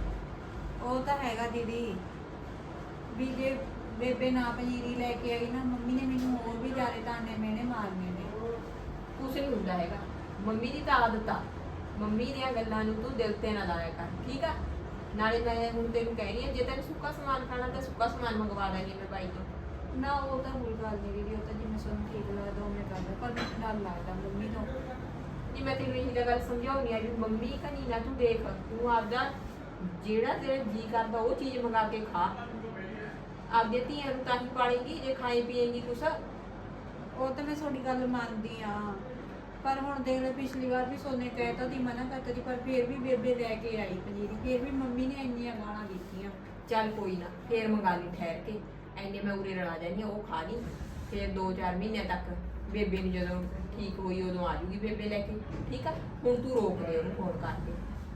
ਉਹ ਤਾਂ ਹੈਗਾ ਦੀਦੀ, ਵੀ ਜੇ ਬੇਬੇ ਨਾ ਪਨੀਰੀ ਲੈ ਕੇ ਆਈ ਨਾ, ਮੰਮੀ ਨੇ ਮੈਨੂੰ ਹੋਰ ਵੀ ਜ਼ਿਆਦਾ ਤਾਨੇ ਮਿਹਣੇ ਮਾਰਨੇ ਨੇ।
ਕੁਛ ਨਹੀਂ ਹੁੰਦਾ ਹੈਗਾ। ਮੰਮੀ ਦੀ ਤਾਂ ਆਦਤ ਆ। ਮੰਮੀ ਦੀਆਂ ਗੱਲਾਂ ਨੂੰ ਤੂੰ ਦਿਲ ਤੇ ਨਾ ਲਾਇਆ ਕਰ, ਠੀਕ ਆ। ਨਾਲੇ ਮੈਂ ਹੁਣ ਤੈਨੂੰ ਕਹਿ ਰਹੀ ਹਾਂ, ਜੇ ਤੈਨੂੰ ਸੁੱਕਾ ਸਮਾਨ ਖਾਣਾ ਤਾਂ ਸੁੱਕਾ ਸਮਾਨ ਮੰਗਵਾ ਦਾਂਗੀ ਮੈਂ ਬਾਈ ਤੋਂ।
ਨਾ ਉਹ ਤਾਂ ਕੋਈ ਗੱਲ ਨਹੀਂ ਦੀਦੀ, ਉਹ ਤਾਂ ਜਿਵੇਂ ਸਾਨੂੰ ਠੀਕ ਲੱਗਦਾ ਉਵੇਂ ਕਰਦਾ, ਪਰ ਮੈਨੂੰ ਡਰ ਲੱਗਦਾ ਮੰਮੀ ਤੋਂ।
ਨਹੀਂ ਮੈਂ ਤੈਨੂੰ ਇਹੀ ਤਾਂ ਗੱਲ ਸਮਝਾਉਣੀ ਆ ਵੀ ਮੰਮੀ ਕਨੀ ਨਾ ਤੂੰ ਦੇਖ, ਤੂੰ ਆਪਦਾ ਜਿਹੜਾ ਤੇਰਾ ਜੀ ਕਰਦਾ ਉਹ ਚੀਜ਼ ਮੰਗਾ ਕੇ ਖਾ। ਆਪਦੀਆਂ ਧੀਆਂ ਨੂੰ ਤਾਂ ਹੀ ਪਾਲੇਗੀ ਜੇ ਖਾਏ ਪੀਏਗੀ ਕੁਛ।
ਉਹ ਤਾਂ ਮੈਂ ਤੁਹਾਡੀ ਗੱਲ ਮੰਨਦੀ ਆ, ਪਰ ਹੁਣ ਦੇਖ ਲੈ ਪਿਛਲੀ ਵਾਰ ਵੀ ਸੋਨੇ ਕਹਿਤਾ ਦੀ ਮਨਾ ਕਰਤਾ ਸੀ, ਪਰ ਫਿਰ ਵੀ ਬੇਬੇ ਲੈ ਕੇ ਆਈ ਪਨੀਰੀ। ਫਿਰ ਵੀ ਮੰਮੀ ਨੇ ਇੰਨੀਆਂ ਗਾਲਾਂ ਦਿੱਤੀਆਂ।
ਚੱਲ ਕੋਈ ਨਾ, ਫੇਰ ਮੰਗਾ ਲਈ ਠਹਿਰ ਕੇ। ਐਨੇ ਮੈਂ ਉਰੇ ਰਲਾ ਜਾਂਦੀ ਹਾਂ, ਉਹ ਖਾ ਲਈ। ਫਿਰ 2-4 ਮਹੀਨਿਆਂ ਤੱਕ ਬੇਬੇ ਨੂੰ ਜਦੋਂ ਠੀਕ ਹੋਈ ਉਦੋਂ ਆ ਜੂਗੀ ਬੇਬੇ ਲੈ ਕੇ, ਠੀਕ ਆ। ਹੁਣ ਤੂੰ ਰੋਕ ਦੇ ਉਹਨੂੰ ਫੋਨ ਕਰਕੇ।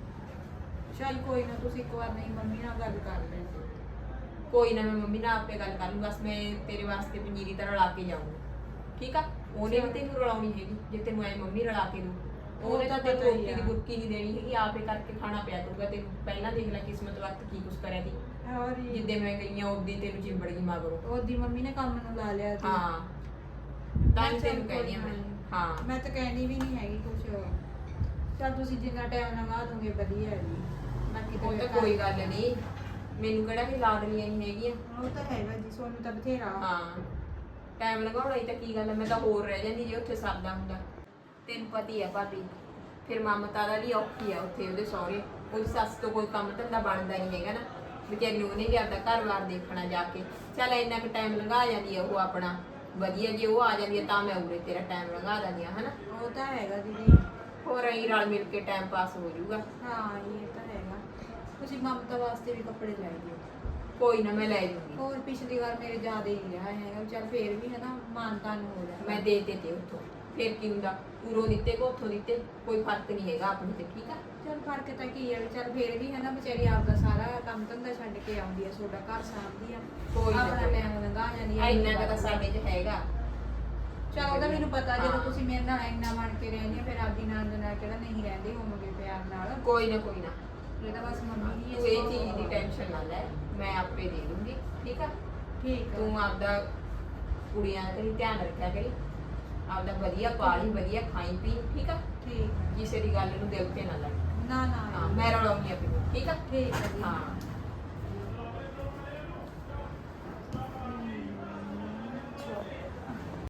ਚੱਲ ਕੋਈ ਨਾ, ਤੁਸੀਂ ਇੱਕ ਵਾਰ ਨਹੀਂ ਮੰਮੀ ਨਾਲ ਗੱਲ ਕਰ ਲੈਂਦੇ।
ਕੋਈ ਨਾ, ਮੈਂ ਮੰਮੀ ਨਾਲ ਆਪੇ ਗੱਲ ਕਰ ਲੂੰ। ਬਸ ਮੈਂ ਤੇਰੇ ਵਾਸਤੇ ਪਨੀਰੀ ਤਾਂ ਰਲਾ ਕੇ ਜਾਊਂਗੀ, ਠੀਕ ਆ। ਉਹਨੇ ਵੀ ਤੈਨੂੰ ਰਲਾਉਣੀ ਹੈਗੀ, ਜੇ ਤੈਨੂੰ ਐ ਮੰਮੀ ਰਲਾ ਕੇ ਦੂ। ਉਹਨੇ ਤਾਂ ਤੈਨੂੰ
ਪਤਾ ਹੀ
ਰੋਟੀ ਦੀ
ਆ।
ਬੁਰਕੀ ਨਹੀਂ ਦੇਣੀ ਹੈਗੀ, ਆਪੇ ਕਰਕੇ ਖਾਣਾ ਪਿਆ ਕਰੂਗਾ ਤੈਨੂੰ। ਪਹਿਲਾਂ ਦੇਖ ਲੈ ਕਿਸਮਤ ਵਕਤ ਕੀ ਕੁਛ ਕਰਿਆ ਦੀ।
ਹੋਰ
ਜਿੱਦੇ ਮੈਂ ਗਈ ਆ ਉਦੀ ਤੈਨੂੰ ਚਿੰਬੜ ਗਈ ਮਗਰੋਂ।
ਉਹਦੀ ਮੰਮੀ ਨੇ ਕੰਮ ਨੂੰ ਲਾ ਲਿਆ ਸੀ।
ਹਾਂ ਤਾਂ ਹੀ
ਚੱਲ
ਤੈਨੂੰ ਕਹਿੰਦੀ ਆ
ਕੋਈ
ਮੈਂ।
ਨਾ।
ਹਾਂ
ਮੈਂ ਤਾਂ ਕਹਿਣੀ ਵੀ ਨਹੀਂ ਹੈਗੀ ਕੁਛ। ਚੱਲ ਤੁਸੀਂ ਜਿੰਨਾ ਟਾਈਮ ਲਗਾ ਦੋਗੇ ਵਧੀਆ ਹੈ ਜੀ। ਬਾਕੀ
ਉਹ ਤਾਂ ਕੋਈ ਗੱਲ ਨਹੀਂ, ਮੈਨੂੰ ਕਿਹੜਾ ਵੀ ਲਾਡਲੀਆਂ ਨਹੀਂ ਹੈਗੀਆਂ।
ਉਹ ਤਾਂ ਹੈਗਾ ਜੀ, ਸੋਨੂੰ ਤਾਂ ਬਥੇਰਾ।
ਹਾਂ ਟਾਈਮ ਲਗਾਉਣਾ ਹੀ ਤਾਂ ਕੀ ਗੱਲ ਹੈ। ਮੈਂ ਤਾਂ ਹੋਰ ਰਹਿ ਜਾਂਦੀ ਜੇ ਉੱਥੇ ਸਰਦਾ ਹੁੰਦਾ। ਤੈਨੂੰ ਪਤੀ ਆ ਭਾਬੀ, ਫਿਰ ਮਮਤਾ ਦਾ ਵੀ ਔਖੀ ਆ ਉੱਥੇ ਉਹਦੇ ਸਹੁਰੇ। ਉਹਦੀ ਸੱਸ ਤੋਂ ਕੋਈ ਕੰਮ ਧੰਦਾ ਬਣਦਾ ਨਹੀਂ ਹੈਗਾ ਨਾ, ਵਿਚਾਰੀ ਨੂੰ ਉਹਨੇ ਵੀ ਆਪਦਾ ਘਰ-ਬਾਰ ਦੇਖਣਾ ਜਾ ਕੇ। ਚੱਲ ਇੰਨਾ ਕੁ ਟਾਈਮ ਲੰਘਾ ਜਾਂਦੀ ਆ ਉਹ ਆਪਣਾ ਵਧੀਆ। ਜੇ ਉਹ ਆ ਜਾਂਦੀ ਆ ਤਾਂ ਮੈਂ ਉਰੇ ਤੇਰਾ ਟਾਈਮ ਲੰਘਾ ਦਿੰਦੀ ਆ, ਹਨਾ।
ਉਹ ਤਾਂ ਹੈਗਾ ਦੀਦੀ।
ਹੋਰ ਅਸੀਂ ਰਲ ਮਿਲ ਕੇ ਟਾਈਮ ਪਾਸ ਹੋ ਜਾਊਗਾ।
ਹਾਂ ਇਹ ਤਾਂ ਹੈਗਾ। ਤੁਸੀਂ ਮਮਤਾ ਵਾਸਤੇ ਵੀ ਕੱਪੜੇ ਲੈ ਦਿਓ।
ਕੋਈ ਨਾ, ਮੈਂ ਲੈ ਜੂਗੀ।
ਹੋਰ ਪਿਛਲੀ ਵਾਰ ਮੇਰੇ ਜ਼ਿਆਦਾ ਹੀ ਰਿਹਾ ਹੈਗਾ, ਚੱਲ ਫੇਰ ਵੀ ਹੈ ਨਾ ਮਾਨਤਾ ਨੂੰ ਹੋ ਜਾਂਦਾ।
ਮੈਂ ਦੇ ਦਿੱਤੇ ਉੱਥੋਂ, ਫਿਰ ਕੀ ਹੁੰਦਾ। ਉਰੋਂ ਦਿੱਤੇ ਕੋ ਉੱਥੋਂ ਦਿੱਤੇ, ਕੋਈ ਫਰਕ ਨਹੀਂ ਹੈਗਾ ਆਪਣੇ ਤੇ, ਠੀਕ ਆ।
ਚੱਲ ਫਰਕ ਤਾਂ ਕੀ ਹੈ, ਚੱਲ ਫੇਰ ਵੀ ਹੈ ਨਾ ਵਿਚਾਰੀ ਆਪਦਾ ਸਾਰਾ ਕੰਮ ਧੰਦਾ ਛੱਡ ਕੇ ਆਉਂਦੀ ਆ, ਤੁਹਾਡਾ ਘਰ ਸਾਂਭਦੀ ਆ,
ਕੋਈ ਨਾ,
ਆਪਣਾ
ਕੋਈ ਨਾ।
ਟਾਈਮ ਲੰਘਾ ਜਾਂਦੀ ਆ।
ਇੰਨਾ ਕੁ ਤਾਂ ਸਾਡੇ 'ਚ ਹੈਗਾ।
ਚਲ ਉਹਦਾ ਮੈਨੂੰ ਪਤਾ, ਜਦੋਂ
ਹਾਂ।
ਤੁਸੀਂ ਮੇਰੇ ਨਾਲ ਇੰਨਾ ਬਣ ਕੇ ਰਹਿੰਦੇ ਆ, ਫਿਰ ਆਪਦੀ ਨਣਦ ਨਾਲ ਕਿਹੜਾ ਨਹੀਂ ਰਹਿੰਦੇ ਹੋਵੋਗੇ ਪਿਆਰ ਨਾਲ।
ਕੋਈ ਨਾ, ਕੋਈ ਨਾ,
ਇਹ ਤਾਂ ਬਸ ਮੰਮੀ ਦੀ
ਤੂੰ ਇਹ ਚੀਜ਼ ਦੀ ਟੈਨਸ਼ਨ ਨਾ ਲੈ, ਮੈਂ ਆਪੇ ਦੇ ਦੂੰਗੀ, ਠੀਕ ਆ।
ਠੀਕ ਆ।
ਤੂੰ ਆਪਦਾ ਕੁੜੀਆਂ ਦਾ ਕਰੀ ਧਿਆਨ ਰੱਖਿਆ ਕਰੀ, ਆਪਦਾ ਵਧੀਆ ਪਾਲੀ, ਵਧੀਆ ਖਾਈ ਪੀ, ਠੀਕ ਆ।
ਠੀਕ ਆ।
ਕਿਸੇ ਦੀ ਗੱਲ ਨੂੰ ਦਿਲ ਤੇ ਨਾ ਲੈ।
ਨਾ ਨਾ
ਹਾਂ ਮੈਂ ਰਲਾਉਣੀ ਆ ਫਿਰ, ਠੀਕ ਆ।
ਠੀਕ ਆ ਜੀ।
ਹਾਂ